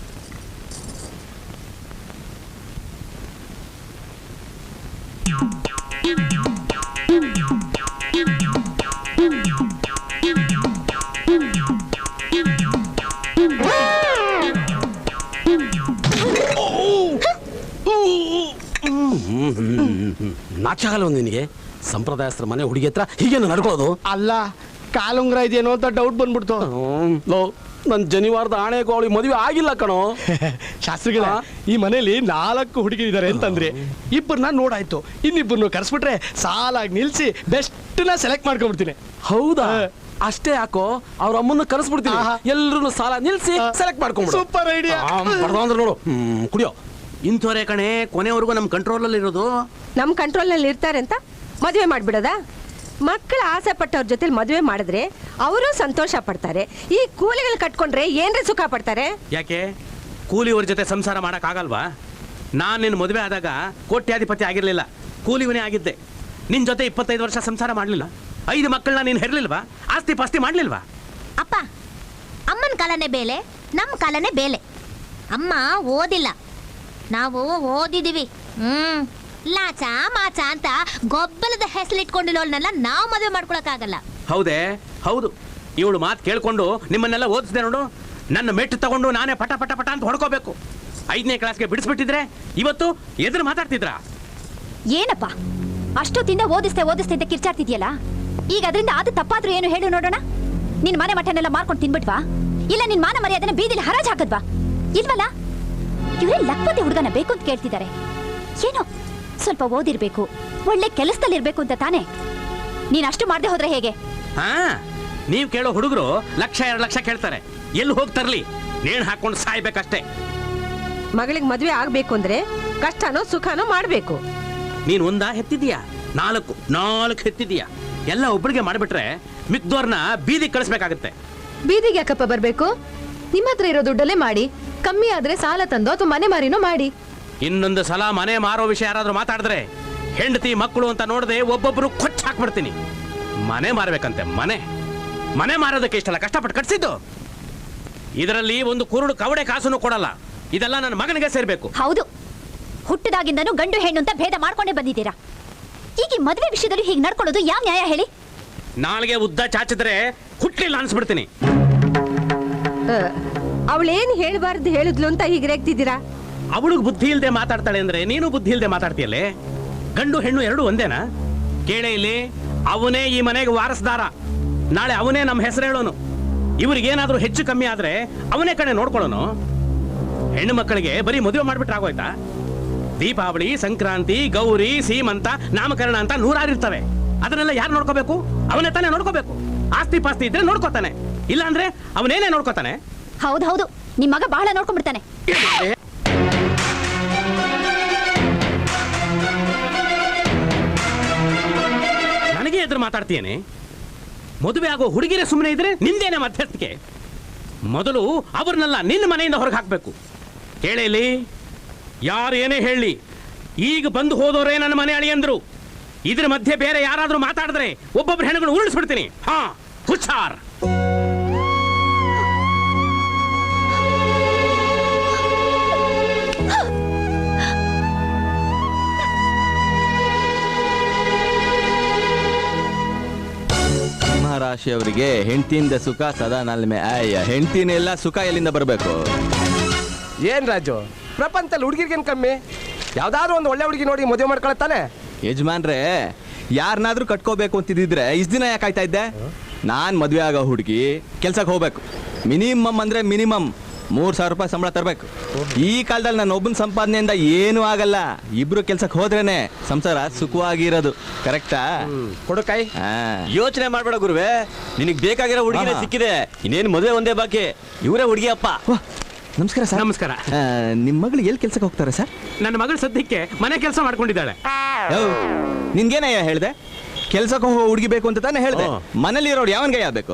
[SPEAKER 1] ನಾಚಾಗಲ್ಲ ಒಂದು ನಿನಗೆ? ಸಂಪ್ರದಾಯಸ್ಥರ ಮನೆ ಹುಡುಗಿ ಹತ್ರ ಹೀಗೇನು ನಡ್ಕೊಳ್ಳೋದು?
[SPEAKER 9] ಅಲ್ಲ, ಕಾಲುಂಗ್ರ ಇದೆಯೇನೋ ಅಂತ ಡೌಟ್ ಬಂದ್ಬಿಡ್ತು.
[SPEAKER 1] ಲೋ, ನನ್ ಜನಿವಾರದ ಆಣೆ ಅವಳಿಗೆ ಮದುವೆ ಆಗಿಲ್ಲ ಕಣೋ.
[SPEAKER 9] ಶಾಸ್ತ್ರಿಗಳ, ಈ ಮನೇಲಿ ನಾಲ್ಕು ಹುಡುಗಿರಿದ್ದಾರೆ ಅಂತಂದ್ರೆ ಇಬ್ಬರನ್ನ ನೋಡಾಯ್ತು, ಇನ್ನಿಬ್ಬರನ್ನು ಕರ್ಸ್ಬಿಟ್ರೆ ಸಾಲಾಗಿ ನಿಲ್ಸಿ ಬೆಸ್ಟ್ ನ ಸೆಲೆಕ್ಟ್ ಮಾಡ್ಕೊಂಡ್ಬಿಡ್ತೀನಿ.
[SPEAKER 1] ಹೌದಾ? ಅಷ್ಟೇ ಯಾಕೋ, ಅವ್ರ ಅಮ್ಮನ್ನ ಕರೆಸ್ಬಿಡ್ತೀನಿ, ಎಲ್ರು ಸಾಲ ನಿಲ್ಸಿ ಸೆಲೆಕ್ಟ್ ಮಾಡ್ಕೊಂಡ್ಬಿಡು.
[SPEAKER 9] Super idea.
[SPEAKER 1] ಅಂದ್ರೆ ನೋಡು, ಹ್ಮ್ ಕುಡಿಯೋ.
[SPEAKER 6] ಇಂಥವರೇ ಕಣೆ ಕೊನೆವರೆಗೂ ನಮ್ಮ ಕಂಟ್ರೋಲಲ್ಲಿ ಇರೋದು.
[SPEAKER 2] ನಮ್ ಕಂಟ್ರೋಲ್ ನಲ್ಲಿ ಇರ್ತಾರೆ ಅಂತ ಮದುವೆ ಮಾಡ್ಬಿಡೋದಾ? ಮಕ್ಕಳ ಆಸೆ ಪಟ್ಟವ್ರ ಜೊತೆ ಮದುವೆ ಮಾಡಿದ್ರೆ ಅವರು ಸಂತೋಷ ಪಡ್ತಾರೆ. ಈ ಕೂಲಿಗಳು ಕಟ್ಕೊಂಡ್ರೆ ಏನ್ರಿ ಸುಖ ಪಡ್ತಾರೆ?
[SPEAKER 6] ಯಾಕೆ ಕೂಲಿಯವ್ರ ಜೊತೆ ಸಂಸಾರ ಮಾಡಕ್ ಆಗಲ್ವಾ? ನಾನು ನಿನ್ನ ಮದುವೆ ಆದಾಗ ಕೋಟ್ಯಾಧಿಪತಿ ಆಗಿರ್ಲಿಲ್ಲ, ಕೂಲಿವನೇ ಆಗಿದ್ದೆ. ನಿನ್ ಜೊತೆ ಇಪ್ಪತ್ತೈದು ವರ್ಷ ಸಂಸಾರ ಮಾಡ್ಲಿಲ್ಲ, ಐದು ಮಕ್ಕಳನ್ನ ನೀನು ಹೆರ್ಲಿಲ್ವಾ? ಆಸ್ತಿ ಪಾಸ್ತಿ ಮಾಡ್ಲಿಲ್ವಾ?
[SPEAKER 3] ಅಪ್ಪ, ಅಮ್ಮನ ಕಾಲನೇ ಬೇಲೆ, ನಮ್ಮ ಕಾಲನೇ ಬೇಲೆ. ಅಮ್ಮ ಓದಿಲ್ಲ, ನಾವು ಓದಿದೀವಿ. ಹ್ಮ್ ಲಾಚ ಮಾಚ ಅಂತ ಗೊಬ್ಬಲದ ಹೆಸರಿಟ್ಕೊಂಡಿರೋಳ್ನೆಲ್ಲ ನಾವು ಮದುವೆ ಮಾಡ್ಕೊಳಕ್ಕಾಗಲ್ಲ.
[SPEAKER 6] ಹೌದೇ? ಹೌದು. ಇವಳು ಮಾತು ಕೇಳ್ಕೊಂಡು ನಿಮ್ಮನ್ನೆಲ್ಲ ಓದಿಸಿದೆ ನೋಡು. ನನ್ನ ಮೆಟ್ಟು ತಗೊಂಡು ನಾನೇ ಪಟ ಪಟ ಪಟ ಅಂತ ಹೊಡ್ಕೋಬೇಕು. ಐದನೇ ಕ್ಲಾಸ್ಗೆ ಬಿಡಿಸ್ಬಿಟ್ಟಿದ್ರೆ ಇವತ್ತು ಎದುರು ಮಾತಾಡ್ತಿದ್ರ?
[SPEAKER 5] ಏನಪ್ಪ ಅಷ್ಟೊತ್ತಿಂದ ಓದಿಸ್ತೆ ಓದಿಸ್ತೆ ಅಂತ ಕಿರ್ಚಾಡ್ತಿದ್ಯಲ್ಲ, ಈಗ ಅದರಿಂದ ಅದು ತಪ್ಪಾದ್ರೂ ಏನು ಹೇಳು ನೋಡೋಣ. ನಿನ್ ಮನೆ ಮಠನೆಲ್ಲ ಮಾರ್ಕೊಂಡು ತಿನ್ಬಿಟ್ವಾ, ಇಲ್ಲ ನಿನ್ ಮಾನ ಮರ್ಯಾದೆನ ಬೀದಿಲಿ ಹರಾಜ್ ಹಾಕದ್ವಾ? ಇಲ್ವಲ್ಲ, ಇವರೇ ಲಕ್ಪತಿ ಹುಡುಗನ ಬೇಕು ಅಂತ ಕೇಳ್ತಿದ್ದಾರೆ. ಏನೋ ಸ್ವಲ್ಪ ಓದಿರ್ಬೇಕು, ಒಳ್ಳೆ ಕೆಲಸದಲ್ಲಿರ್ಬೇಕು ಅಂತ ತಾನೇ. ನೀನ್ ಅಷ್ಟು ಮಾಡದೆ ಹೋದ್ರೆ ಹೇಗೆ?
[SPEAKER 6] ಹಾ, ನೀವ್ ಕೇಳೋ ಹುಡುಗರು ಲಕ್ಷ ಎರಡು ಲಕ್ಷ ಕೇಳ್ತಾರೆ. ಎಲ್ಲಿ ಹೋಗ್ತಾರ್ಲಿ, ನೇಣು ಹಾಕೊಂಡು ಸಾಯ್ಬೇಕಷ್ಟೇ.
[SPEAKER 2] ಮಗಳಿಗೆ ಮದುವೆ ಆಗ್ಬೇಕು ಅಂದ್ರೆ ಕಷ್ಟನೋ ಸುಖನೋ ಮಾಡ್ಬೇಕು.
[SPEAKER 6] ನೀನ್ ಒಂದ ಹೆತ್ತಿದೀಯಾ, ನಾಲ್ಕು ನಾಲ್ಕು ಹೆತ್ತಿದೀಯಾ. ಎಲ್ಲ ಒಬ್ಬರಿಗೆ ಮಾಡ್ಬಿಟ್ರೆ ಮಿಕ್ದೋರ್ನ ಬೀದಿ ಕಳಿಸ್ಬೇಕಾಗತ್ತೆ.
[SPEAKER 4] ಬೀದಿಗೆ ಯಾಕಪ್ಪ ಬರ್ಬೇಕು? ನಿಮ್ಮ ಹತ್ರ ಇರೋ ದುಡ್ಡಲ್ಲೇ ಮಾಡಿ, ಕಮ್ಮಿ ಆದ್ರೆ ಸಾಲ ತಂದು ಅಥವಾ ಮನೆ ಮಾರಿನೋ ಮಾಡಿ.
[SPEAKER 6] ಇನ್ನೊಂದು ಸಲ ಮನೆ ಮಾರೋ ವಿಷಯ ಯಾರಾದ್ರೂ ಮಾತಾಡಿದ್ರೆ ಹೆಂಡತಿ ಮಕ್ಕಳು ಅಂತ ನೋಡದೆ ಒಬ್ಬೊಬ್ರು ಕೊಚ್ಚ ಹಾಕ್ಬಿಡ್ತೀನಿ. ಮನೆ ಮಾರಬೇಕಂತೆ, ಮನೆ ಮನೆ ಮಾರೋದಕ್ಕೆ ಇಷ್ಟಲ್ಲ ಕಷ್ಟಪಟ್ಟು ಕಟ್ಸಿದ್ದು. ಇದರಲ್ಲಿ ಒಂದು ಕುರುಡು ಕವಡೆ ಕಾಸನ್ನು ಕೊಡಲ್ಲ. ಇದೆಲ್ಲ ನನ್ನ ಮಗನಿಗೆ ಸೇರ್ಬೇಕು.
[SPEAKER 5] ಹೌದು, ಹುಟ್ಟಿದಾಗಿಂದನೂ ಗಂಡು ಹೆಣ್ಣು ಅಂತ ಭೇದ ಮಾಡ್ಕೊಂಡೇ ಬಂದಿದ್ದೀರಾ. ಈಗ ಈ ಮದುವೆ ವಿಷಯದಲ್ಲಿ ಹೀಗೆ ನಡ್ಕೊಳ್ಳೋದು ಯಾವ ನ್ಯಾಯ ಹೇಳಿ?
[SPEAKER 6] ನಾಳೆಗೆ ಉದ್ದ ಚಾಚಿದ್ರೆ ಹುಟ್ಲಿಲ್ಲ ಅನ್ಸ್ಬಿಡ್ತೀನಿ.
[SPEAKER 2] ಅವಳೇನ್ ಹೇಳ್ಬಾರ್ದು ಹೇಳಿದ್ಲು ಅಂತ ಹೀಗೆ ರೇಗ್ತಿದ್ದೀರಾ?
[SPEAKER 6] ಅವಳಿಗೆ ಬುದ್ಧಿ ಇಲ್ದೆ ಮಾತಾಡ್ತಾಳೆ ಅಂದ್ರೆ ನೀನು ಬುದ್ಧಿ ಇಲ್ದೆ ಮಾತಾಡ್ತೀಯಲ್ಲೇ. ಗಂಡು ಹೆಣ್ಣು ಎರಡು ಒಂದೇನಾ? ಕೇಳೇ ಇಲ್ಲಿ, ಅವನೇ ಈ ಮನೆಗೆ ವಾರಸ್ದಾರ. ನಾಳೆ ಅವನೇ ನಮ್ಮ ಹೆಸರು ಹೇಳೋನು. ಇವ್ರಿಗೇನಾದ್ರೂ ಹೆಚ್ಚು ಕಮ್ಮಿ ಆದ್ರೆ ಅವನೇ ಕಡೆ ನೋಡ್ಕೊಳ್ಳೋನು. ಹೆಣ್ಣು ಮಕ್ಕಳಿಗೆ ಬರೀ ಮದುವೆ ಮಾಡ್ಬಿಟ್ರೆ ಆಗೋಯ್ತಾ? ದೀಪಾವಳಿ, ಸಂಕ್ರಾಂತಿ, ಗೌರಿ, ಸೀಮಂತ, ನಾಮಕರಣ ಅಂತ ನೂರಾರು ಇರ್ತವೆ. ಅದನ್ನೆಲ್ಲ ಯಾರು ನೋಡ್ಕೋಬೇಕು? ಅವನೇ ತಾನೇ ನೋಡ್ಕೋಬೇಕು. ಆಸ್ತಿ ಪಾಸ್ತಿ ಇದ್ರೆ ನೋಡ್ಕೋತಾನೆ, ಇಲ್ಲ ಅಂದ್ರೆ ಅವನೇನೇ ನೋಡ್ಕೋತಾನೆ.
[SPEAKER 5] ಹೌದು ಹೌದು, ನಿಮ್ ಮಗ ಬಹಳ ನೋಡ್ಕೊಂಡ್ಬಿಡ್ತಾನೆ.
[SPEAKER 6] ನನಗೆ ಎದುರು ಮಾತಾಡ್ತೀಯೇನೆ? ಮದುವೆ ಆಗೋ ಹುಡುಗಿರೇ ಸುಮ್ಮನೆ ಇದ್ರೆ ನಿಂದೇನೆ ಮಧ್ಯಸ್ಥಿಕೆ. ಮೊದಲು ಅವ್ರನ್ನೆಲ್ಲ ನಿನ್ನ ಮನೆಯಿಂದ ಹೊರಗೆ ಹಾಕ್ಬೇಕು. ಕೇಳೇಲಿ, ಯಾರು ಏನೇ ಹೇಳಿ, ಈಗ ಬಂದು ಹೋದವರೇ ನನ್ನ ಮನೆ ಅಳಿಯಂದ್ರು. ಇದ್ರ ಮಧ್ಯೆ ಬೇರೆ ಯಾರಾದ್ರೂ ಮಾತಾಡಿದ್ರೆ ಒಬ್ಬೊಬ್ರು ಹೆಣ್ಣುಗಳು ಉರುಳಿಸ್ಬಿಡ್ತೀನಿ. ಹಾ, ಹುಷಾರ್.
[SPEAKER 10] ರಾಶಿಯವರಿಗೆ ಹೆಂಡತಿಯಿಂದ ಸುಖ ಸದಾ ನಲ್ಮೆ. ಅಯ್ಯ, ಹೆಂಡತಿನೆಲ್ಲ ಸುಖ ಎಲ್ಲಿಂದ ಬರಬೇಕು?
[SPEAKER 9] ಏನ್ ರಾಜು, ಪ್ರಪಂಚದಲ್ಲಿ ಹುಡುಗಿರ್ಗೇನ್ ಕಮ್ಮಿ? ಯಾವ್ದಾದ್ರು ಒಂದು ಒಳ್ಳೆ ಹುಡುಗಿ ನೋಡಿ ಮದುವೆ ಮಾಡ್ಕೊಳತ್ತಾನೆ.
[SPEAKER 10] ಯಜಮಾನ್ರೆ, ಯಾರನ್ನಾದ್ರೂ ಕಟ್ಕೋಬೇಕು ಅಂತಿದ್ರೆ ಇಷ್ಟ ದಿನ ಯಾಕೆ ಆಯ್ತಾ ಇದ್ದೆ? ನಾನ್ ಮದ್ವೆ ಆಗೋ ಹುಡುಗಿ ಕೆಲ್ಸಕ್ಕೆ ಹೋಗ್ಬೇಕು. ಮಿನಿಮಮ್ ಅಂದ್ರೆ ಮಿನಿಮಮ್ ಮೂರ್ ಸಾವಿರ ರೂಪಾಯಿ ಸಂಬಳ ತರಬೇಕು. ಈ ಕಾಲದಲ್ಲಿ ನನ್ನ ಒಬ್ಬನ ಸಂಪಾದನೆಯಿಂದ ಏನೂ ಆಗಲ್ಲ. ಇಬ್ರು ಕೆಲ್ಸಕ್ಕೆ ಹೋದ್ರೇನೆ ಸಂಸಾರ ಸುಖವಾಗಿರೋದು. ಕರೆಕ್ಟಾ?
[SPEAKER 9] ಕೊಡುಕಾಯಿ
[SPEAKER 8] ಯೋಚನೆ ಮಾಡ್ಬೇಡ ಗುರುವೆ, ನಿನಗ್ ಬೇಕಾಗಿರೋ ಹುಡುಗಿನೇ ಸಿಕ್ಕಿದೆ. ಇನ್ನೇನು ಮದುವೆ ಒಂದೇ ಬಾಕಿ. ಇವರೇ ಹುಡುಗಿ ಅಪ್ಪ.
[SPEAKER 10] ನಮಸ್ಕಾರ ಸರ್.
[SPEAKER 6] ನಮಸ್ಕಾರ.
[SPEAKER 10] ನಿಮ್ಮ ಮಗಳು ಎಲ್ಲಿ ಕೆಲ್ಸಕ್ಕೆ ಹೋಗ್ತಾರೆ ಸರ್?
[SPEAKER 6] ನನ್ನ ಮಗಳು ಸದ್ಯಕ್ಕೆ ಮನೆ ಕೆಲಸ ಮಾಡ್ಕೊಂಡಿದ್ದಾಳೆ.
[SPEAKER 10] ನಿನ್ಗೇನಯ್ಯ ಹೇಳ್ದೆ? ಕೆಲ್ಸಕ್ಕೆ ಹೋಗೋ ಹುಡುಗಿ ಬೇಕು ಅಂತ ತಾನೇ ಹೇಳ್ದೆ. ಮನೇಲಿ ಇರೋರು ಯಾವನ್ಗೆ ಯಾವ್ಬೇಕು?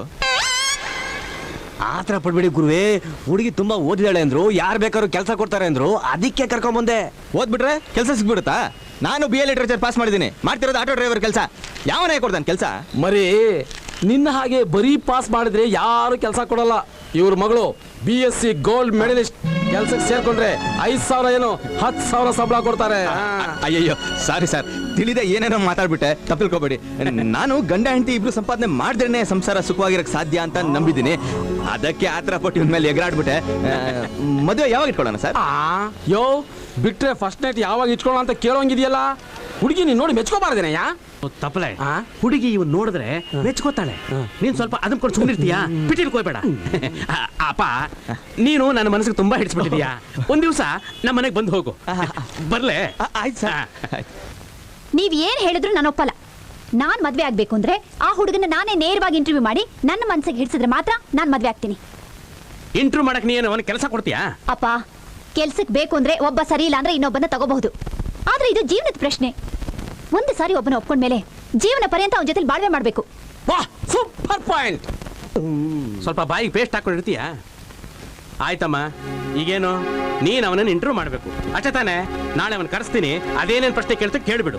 [SPEAKER 8] ಆತರ ಪಡ್ಬೇಡಿ ಗುರುವೆ, ಹುಡುಗಿ ತುಂಬಾ ಓದಿದಾಳೆ ಅಂದ್ರು, ಯಾರು ಬೇಕಾದ್ರೂ ಕೆಲಸ ಕೊಡ್ತಾರೆ ಅಂದ್ರು, ಅದಕ್ಕೆ ಕರ್ಕೊಂಡ್ ಬಂದೆ.
[SPEAKER 10] ಓದ್ಬಿಟ್ರೆ ಕೆಲಸ ಸಿಗ್ಬಿಡುತ್ತಾ? ನಾನು ಬಿ ಎ ಲಿಟ್ರೇಚರ್ ಪಾಸ್ ಮಾಡಿದ್ದೀನಿ. ಮಾಡ್ತಿರೋದು ಆಟೋ ಡ್ರೈವರ್ ಕೆಲಸ. ಯಾವನೇ ಕೊಡ್ತಾನೆ ಕೆಲಸ?
[SPEAKER 1] ಮರಿ ನಿನ್ನ ಹಾಗೆ ಬರೀ ಪಾಸ್ ಮಾಡಿದ್ರೆ ಯಾರು ಕೆಲಸ ಕೊಡಲ್ಲ. ಇವ್ರ ಮಗಳು B S C gold medalist. ಕೆಲ್ಸಕ್ಕೆ ಸೇರ್ಕೊಂಡ್ರೆ ಐದ್ ಸಾವಿರ ಏನೋ ಹತ್ತು ಸಾವಿರ ಸಂಬಳ ಕೊಡ್ತಾರೆ.
[SPEAKER 10] ಅಯ್ಯಯ್ಯೋ, ಸಾರಿ ಸರ್, ತಿಳಿದೆ ಏನೇನೋ ಮಾತಾಡ್ಬಿಟ್ಟೆ, ತಪ್ಪಲ್ಕೋಬೇಡಿ. ನಾನು ಗಂಡ ಹೆಂಡತಿ ಇಬ್ರು ಸಂಪಾದನೆ ಮಾಡಿದ್ರೇನೆ ಸಂಸಾರ ಸುಖವಾಗಿರಕ್ ಸಾಧ್ಯ ಅಂತ ನಂಬಿದ್ದೀನಿ. ಅದಕ್ಕೆ ಆತರ ಪಟ್ಟು ಇವ್ನ ಮೇಲೆ ಎಗರಾಡ್ಬಿಟ್ಟೆ. ಮದುವೆ ಯಾವಾಗ ಇಟ್ಕೊಳ್ಳೋಣ ಸರ್?
[SPEAKER 1] ಯೋ, ಬಿಟ್ರೆ ಫಸ್ಟ್ ನೈಟ್ ಯಾವಾಗ ಇಟ್ಕೊಳ್ಳೋ ಅಂತ ಕೇಳೋಂಗಿದೆಯಲ್ಲ. ಹುಡುಗಿ ನೀನ್ ನೋಡಿ ಮೆಚ್ಕೋಬಾರ್ದೇನಯ್ಯ?
[SPEAKER 6] ತಪ್ಪಲೆ, ಹುಡುಗಿ ಇವ್ ನೋಡಿದ್ರೆ ಮೆಚ್ಕೋತಾಳೆ. ನೀನ್ ಸ್ವಲ್ಪ ಅದನ್ನ ಕೊಟ್ಟು ಸುಮ್ಮನಿರ್ತೀಯಾ? ಬಿಟ್ಟಿರ್ಕೋಬೇಡ. ಅಪ್ಪ, ನೀನು ನನ್ನ ಮನಸ್ಸಿಗೆ ತುಂಬಾ ಹಿಡಿಸ್ಬಿಟ್ಟಿದ್ಯಾ. ಒಂದ್ ದಿವಸ ನಮ್ಮ ಮನೆಗೆ ಬಂದು ಹೋಗು. ಬರ್ಲೆ?
[SPEAKER 10] ಆಯ್ತು ಸರ್.
[SPEAKER 5] ನೀವ್ ಏನ್ ಹೇಳಿದ್ರು ನಾನು ಒಪ್ಪಲ್ಲ. ನಾನ್ ಮದ್ವೆ ಆಗ್ಬೇಕು ಅಂದ್ರೆ ಆ ಹುಡುಗನ ನಾನೇ ನೇರವಾಗಿ ಇಂಟರ್ವ್ಯೂ ಮಾಡಿ ನನ್ನ ಮನಸ್ಸಿಗೆ ಹಿಡಿಸಿದ್ರೆ ಮಾತ್ರ ನಾನ್ ಮದ್ವೆ ಆಗ್ತೀನಿ.
[SPEAKER 6] ಇಂಟರ್ವ್ಯೂ ಮಾಡಕ್ ನೀನು ಅವನ ಕೆಲಸ ಕೊಡ್ತೀಯಾ?
[SPEAKER 5] ಅಪ್ಪ, ಕೆಲ್ಸಕ್ ಬೇಕು ಅಂದ್ರೆ ಒಬ್ಬ ಸರಿ ಇಲ್ಲ ಅಂದ್ರೆ ಇನ್ನೊಬ್ಬನ ತಗೋಬಹುದು. ಆದ್ರೆ ಇದು ಜೀವನದ ಪ್ರಶ್ನೆ. ಒಂದು ಸಾರಿ ಒಬ್ಬನ ಒಪ್ಕೊಂಡ್ಮೇಲೆ ಜೀವನ ಪರ್ಯಂತ ಅವನ ಜೊತೆ ಬಾಳ್ವೆ ಮಾಡ್ಬೇಕು.
[SPEAKER 6] Super point. ಸ್ವಲ್ಪ ಬಾಯಿಗೆ ಪೇಸ್ಟ್ ಹಾಕೊಂಡಿರ್ತೀಯ? ಆಯ್ತಮ್ಮ, ಈಗೇನು ನೀನ್ ಅವನನ್ನ ಇಂಟರ್ವ್ಯೂ ಮಾಡ್ಬೇಕು ಅಷ್ಟೇ ತಾನೆ? ನಾಳೆ ಅವನ್ ಕರೆಸ್ತೀನಿ. ಅದೇನೇನ್ ಪ್ರಶ್ನೆ ಕೇಳ್ತಾ ಕೇಳ್ಬಿಡು.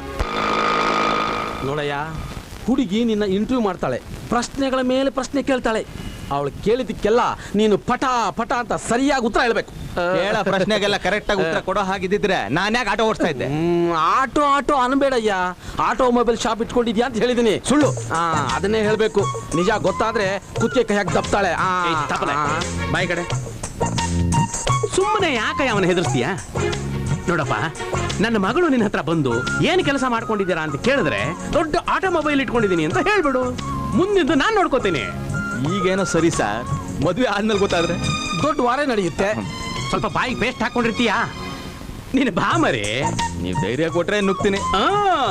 [SPEAKER 1] ನೋಡಯ್ಯ, ಹುಡುಗಿ ನಿನ್ನ ಇಂಟರ್ವ್ಯೂ ಮಾಡ್ತಾಳೆ, ಪ್ರಶ್ನೆಗಳ ಮೇಲೆ ಪ್ರಶ್ನೆ ಕೇಳ್ತಾಳೆ. ಅವಳು ಕೇಳಿದ್ದಕ್ಕೆಲ್ಲ ನೀನು ಪಟ ಪಟ ಅಂತ ಸರಿಯಾಗಿ ಉತ್ತರ ಹೇಳ್ಬೇಕು.
[SPEAKER 10] ಕೇಳ ಪ್ರಶ್ನೆಗೆಲ್ಲ ಕರೆಕ್ಟ್ ಆಗಿ ಉತ್ತರ ಕೊಡೋ ಹಾಗಿದ್ದಿದ್ರೆ ನಾನು ಯಾಕೆ ಆಟೋ ಓಡಿಸ್ತಾ ಇದ್ದೆ?
[SPEAKER 1] ಹ್ಮ್, ಆಟೋ ಆಟೋ ಅನ್ಬೇಡಯ್ಯ, ಆಟೋ ಮೊಬೈಲ್ ಶಾಪ್ ಇಟ್ಕೊಂಡಿದ್ಯಾ ಅಂತ ಹೇಳಿದೀನಿ. ಸುಳ್ಳು. ಆ ಅದನ್ನೇ ಹೇಳ್ಬೇಕು. ನಿಜ ಗೊತ್ತಾದ್ರೆ ಕುತ್ತಿಗೆ ಕೈ ಹಾಕಿ ದಪ್ತಾಳೆ. ಆ,
[SPEAKER 6] ಏಯ್, ತಪ್ಪಲೆ.
[SPEAKER 1] ಆ.
[SPEAKER 6] ಬಾಯಿ ಕಡೆ. ಸುಮ್ಮನೆ ಯಾಕೆ ಅವನ ಹೆದರ್ಸ್ತೀಯ? ನೋಡಪ್ಪ, ನನ್ನ ಮಗಳು ನಿನ್ನ ಹತ್ರ ಬಂದು ಏನು ಕೆಲಸ ಮಾಡ್ಕೊಂಡಿದ್ದೀರಾ ಅಂತ ಕೇಳಿದ್ರೆ ದೊಡ್ಡ ಆಟೋಮೊಬೈಲ್ ಇಟ್ಕೊಂಡಿದ್ದೀನಿ ಅಂತ ಹೇಳ್ಬಿಡು. ಮುಂದಿಂದು ನಾನು ನೋಡ್ಕೋತೀನಿ.
[SPEAKER 10] ಈಗೇನೋ ಸರಿ ಸರ್, ಮದುವೆ ಆದ್ಮೇಲೆ ಗೊತ್ತಾದ್ರೆ
[SPEAKER 1] ದೊಡ್ಡ ವಾರ ನಡೆಯುತ್ತೆ.
[SPEAKER 6] ಸ್ವಲ್ಪ ಬಾಯಿಗೆ ಪೇಸ್ಟ್ ಹಾಕೊಂಡಿರ್ತೀಯಾ? ನೀನು ಬಾ ಮರಿ.
[SPEAKER 10] ನೀವು ಧೈರ್ಯ ಕೊಟ್ರೆ ನುಗ್ತೀನಿ.
[SPEAKER 6] ಆ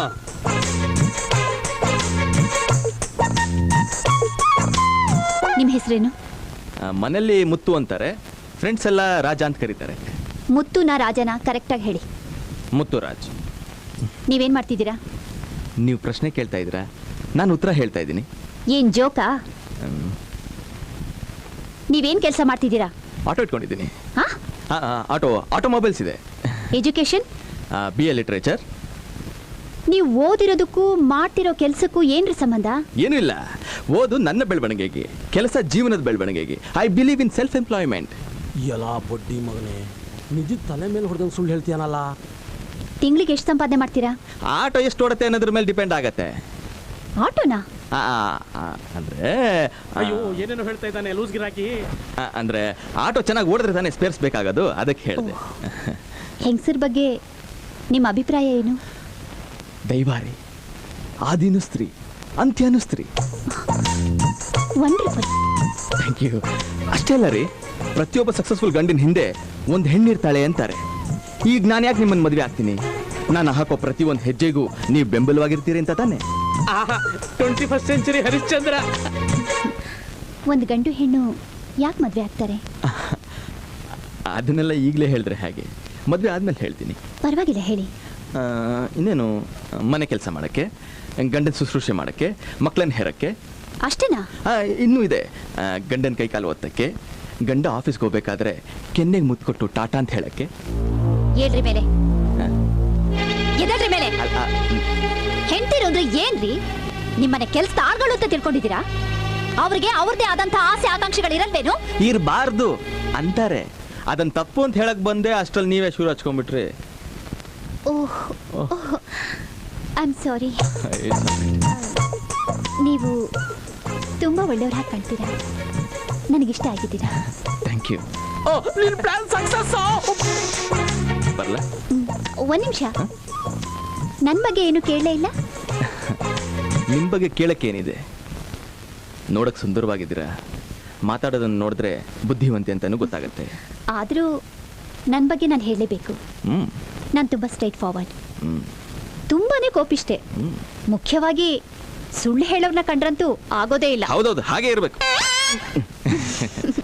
[SPEAKER 5] ನಿಮ್ಮ ಹೆಸರೇನು?
[SPEAKER 10] ಆ, ಮನೇಲಿ ಮುತ್ತು ಅಂತಾರೆ, ಫ್ರೆಂಡ್ಸ್ ಎಲ್ಲ ರಾಜ ಅಂತ ಕರೀತಾರೆ.
[SPEAKER 5] ಮುತ್ತುನ ರಾಜನ ಕರೆಕ್ಟಾಗಿ ಹೇಳಿ.
[SPEAKER 10] ಮುತ್ತು ರಾಜ್.
[SPEAKER 5] ನೀವೇನ್ ಮಾಡ್ತಿದ್ದೀರಾ?
[SPEAKER 10] ನೀವು ಪ್ರಶ್ನೆ ಕೇಳ್ತಾ ಇದ್ದೀರಾ, ನಾನು ಉತ್ತರ ಹೇಳ್ತಾ ಇದ್ದೀನಿ.
[SPEAKER 5] ಏನ್ ಜೋಕಾ? ನೀವೇನ್ ಕೆಲಸ ಮಾಡ್ತಿದ್ದೀರಾ?
[SPEAKER 10] ಆಟೋ ಇಟ್ಕೊಂಡಿದ್ದೀನಿ.
[SPEAKER 5] ಹಾ?
[SPEAKER 10] ಆ, ಆ, ಆಟೋ ಆಟೋಮೊಬೈಲ್ಸ್ ಇದೆ.
[SPEAKER 5] ಎಜುಕೇಶನ್?
[SPEAKER 10] B A literature.
[SPEAKER 5] ನೀವು ಓದಿರೋದಕ್ಕೂ ಮಾಡ್ತಿರೋ ಕೆಲ್ಸಕ್ಕೂ ಏನ್ರಿ ಸಂಬಂಧ?
[SPEAKER 10] ಏನೂ ಇಲ್ಲ, ಓದು ನನ್ನ ಬೆಳವಣಿಗೆಗೆ, ಕೆಲಸ ಜೀವನದ ಬೆಳವಣಿಗೆಗೆ. I believe in self employment.
[SPEAKER 1] ಎಲ್ಲ ಬಡ್ಡಿ ಮಗನೇ, ನಿಜ ತಲೆ ಮೇಲೆ ಹೊಡೆದಂಗೆ ಸುಳ್ಳು ಹೇಳ್ತೀಯನಲ್ಲ.
[SPEAKER 5] ತಿಂಗಳಿಗೆ ಎಷ್ಟು ಸಂಪಾದನೆ ಮಾಡ್ತೀರಾ?
[SPEAKER 10] ಆಟೋ ಎಷ್ಟು ಓಡುತ್ತೆ ಅನ್ನೋದ್ರ ಮೇಲೆ ಡಿಪೆಂಡ್ ಆಗತ್ತೆ.
[SPEAKER 5] ಆಟೋನಾ?
[SPEAKER 10] ಆ, ಆ, ಅಂದ್ರೆ
[SPEAKER 6] ಅಯ್ಯೋ, ಏನೇನೋ ಹೇಳ್ತಾ ಇದ್ದಾನೆ ಲೂಸ್ ಗಿರಾಕಿ.
[SPEAKER 10] ಆ, ಅಂದ್ರೆ ಆಟೋ ಚೆನ್ನಾಗಿ ಓಡಿದ್ರೆ ತಾನೇ ಸ್ಪೇರ್ಸ್ ಬೇಕಾಗೋದು, ಅದಕ್ಕೆ ಹೇಳಿದೆ.
[SPEAKER 5] ಹೆಂಗಸರ ಬಗ್ಗೆ ನಿಮ್ಮ ಅಭಿಪ್ರಾಯ ಏನು?
[SPEAKER 10] ದೈವಾರಿ, ಆದಿನು ಸ್ತ್ರೀ, ಅಂತ್ಯನು ಸ್ತ್ರೀ.
[SPEAKER 5] ವಂಡರ್ಫುಲ್.
[SPEAKER 10] Thank you. ಅಷ್ಟೇ ಅಲ್ಲ ರೀ, ಪ್ರತಿಯೊಬ್ಬ ಸಕ್ಸಸ್ಫುಲ್ ಗಂಡಿನ ಹಿಂದೆ ಒಂದು ಹೆಣ್ಣಿರ್ತಾಳೆ ಅಂತಾರೆ. ಈಗ ನಾನು ಯಾಕೆ ನಿಮ್ಮನ್ನು ಮದುವೆ ಆಗ್ತೀನಿ? ನಾನು ಹಾಕೋ ಪ್ರತಿ ಒಂದು ಹೆಜ್ಜೆಗೂ ನೀವು ಬೆಂಬಲವಾಗಿರ್ತೀರಿ ಅಂತ ತಾನೆ?
[SPEAKER 6] Twenty first century Harishchandra.
[SPEAKER 5] ಒಂದು ಗಂಡು ಹೆಣ್ಣು ಯಾಕೆ ಮದ್ವೆ ಆಗ್ತಾರೆ?
[SPEAKER 10] ಅದನ್ನೆಲ್ಲ ಈಗಲೇ ಹೇಳಿದ್ರೆ ಹಾಗೆ, ಮದುವೆ ಆದ್ಮೇಲೆ ಹೇಳ್ತೀನಿ.
[SPEAKER 5] ಪರವಾಗಿಲ್ಲ, ಹೇಳಿ.
[SPEAKER 10] ಆ, ಇನ್ನೇನು, ಮನೆ ಕೆಲಸ ಮಾಡೋಕ್ಕೆ, ಗಂಡನ ಶುಶ್ರೂಷೆ ಮಾಡೋಕ್ಕೆ, ಮಕ್ಕಳನ್ನ ಹೆರಕ್ಕೆ.
[SPEAKER 5] ಅಷ್ಟೇನಾ?
[SPEAKER 10] ಆ, ಇನ್ನೂ ಇದೆ, ಆ, ಗಂಡನ ಕೈ ಕಾಲು ಒತ್ತಕ್ಕೆ, ಗಂಡ ಆಫೀಸ್ಗೆ ಹೋಗ್ಬೇಕಾದ್ರೆ ಕೆನ್ನೆಗೆ ಮುತ್ತು ಕೊಟ್ಟು ಟಾಟಾ ಅಂತ ಹೇಳಕ್ಕೆ.
[SPEAKER 5] ಏಳ್ರಿ ಮೇಲೆ,
[SPEAKER 10] ಆ,
[SPEAKER 5] ಎದಳ್ರಿ ಮೇಲೆ.
[SPEAKER 10] ಅಲ್ಲ, ಆ,
[SPEAKER 5] ಹೆಂಡ್ತಿರು ಅಂದ್ರೆ ಏನ್ರಿ? ನಿಮ್ಮನೆ ಕೆಲ್ಸ ಆಳ್ಗಳು ಅಂತ ತಿಳ್ಕೊಂಡಿದ್ದೀರಾ? ಅವ್ರಿಗೆ ಅವ್ರದೇ ಆದಂತ ಆಸೆ ಆಕಾಂಕ್ಷೆಗಳು ಇರಲ್ವೇನು?
[SPEAKER 10] ಇರಬಾರ್ದು ಅಂತಾರೆ. ಅದನ್ನ ತಪ್ಪು ಅಂತ ಹೇಳಕ್ ಬಂದೆ, ಅಷ್ಟ್ರಲ್ಲಿ ನೀವೇ ಶುರು ಹಚ್ಕೊಂಡ್ಬಿಟ್ರಿ.
[SPEAKER 5] ಓಹ್, ಐ ಆಮ್ ಸಾರಿ. ನೀವು ತುಂಬಾ ಒಳ್ಳೆಯವ್ರ ಹಾಗೆ ಕಾಣ್ತೀರಾ. ನನಗಿಷ್ಟ ಆಗಿದ್ದೀರಾ.
[SPEAKER 10] Thank you.
[SPEAKER 1] ನಿನ್ ಪ್ಲಾನ್ ಸಕ್ಸಸ್.
[SPEAKER 10] ಬರಲ್ಲ?
[SPEAKER 5] ಒಂದ್ ನಿಮಿಷ, ನನ್ನ ಬಗ್ಗೆ ಏನು ಕೇಳಲೇ ಇಲ್ಲ.
[SPEAKER 10] ನಿಮ್ಮ ಬಗ್ಗೆ ಕೇಳಕ್ಕೇನಿದೆ? ನೋಡಕ್ ಸುಂದರವಾಗಿದ್ದೀರಾ, ಮಾತಾಡೋದನ್ನ ನೋಡಿದ್ರೆ ಬುದ್ಧಿವಂತೆ ಅಂತಾನೂ ಗೊತ್ತಾಗತ್ತೆ.
[SPEAKER 5] ಆದರೂ ನನ್ನ ಬಗ್ಗೆ ನಾನು ಹೇಳಲೇಬೇಕು.
[SPEAKER 10] ಹ್ಮ್
[SPEAKER 5] ನಾನು ತುಂಬ ಸ್ಟ್ರೈಟ್ ಫಾರ್ವರ್ಡ್,
[SPEAKER 10] ಹ್ಮ್
[SPEAKER 5] ತುಂಬಾನೇ ಕೋಪಿಷ್ಟೆ.
[SPEAKER 10] ಹ್ಮ್
[SPEAKER 5] ಮುಖ್ಯವಾಗಿ ಸುಳ್ಳು ಹೇಳೋರ್ನ ಕಂಡ್ರಂತೂ ಆಗೋದೇ ಇಲ್ಲ.
[SPEAKER 10] ಹೌದೌದು, ಹಾಗೆ ಇರ್ಬೇಕು.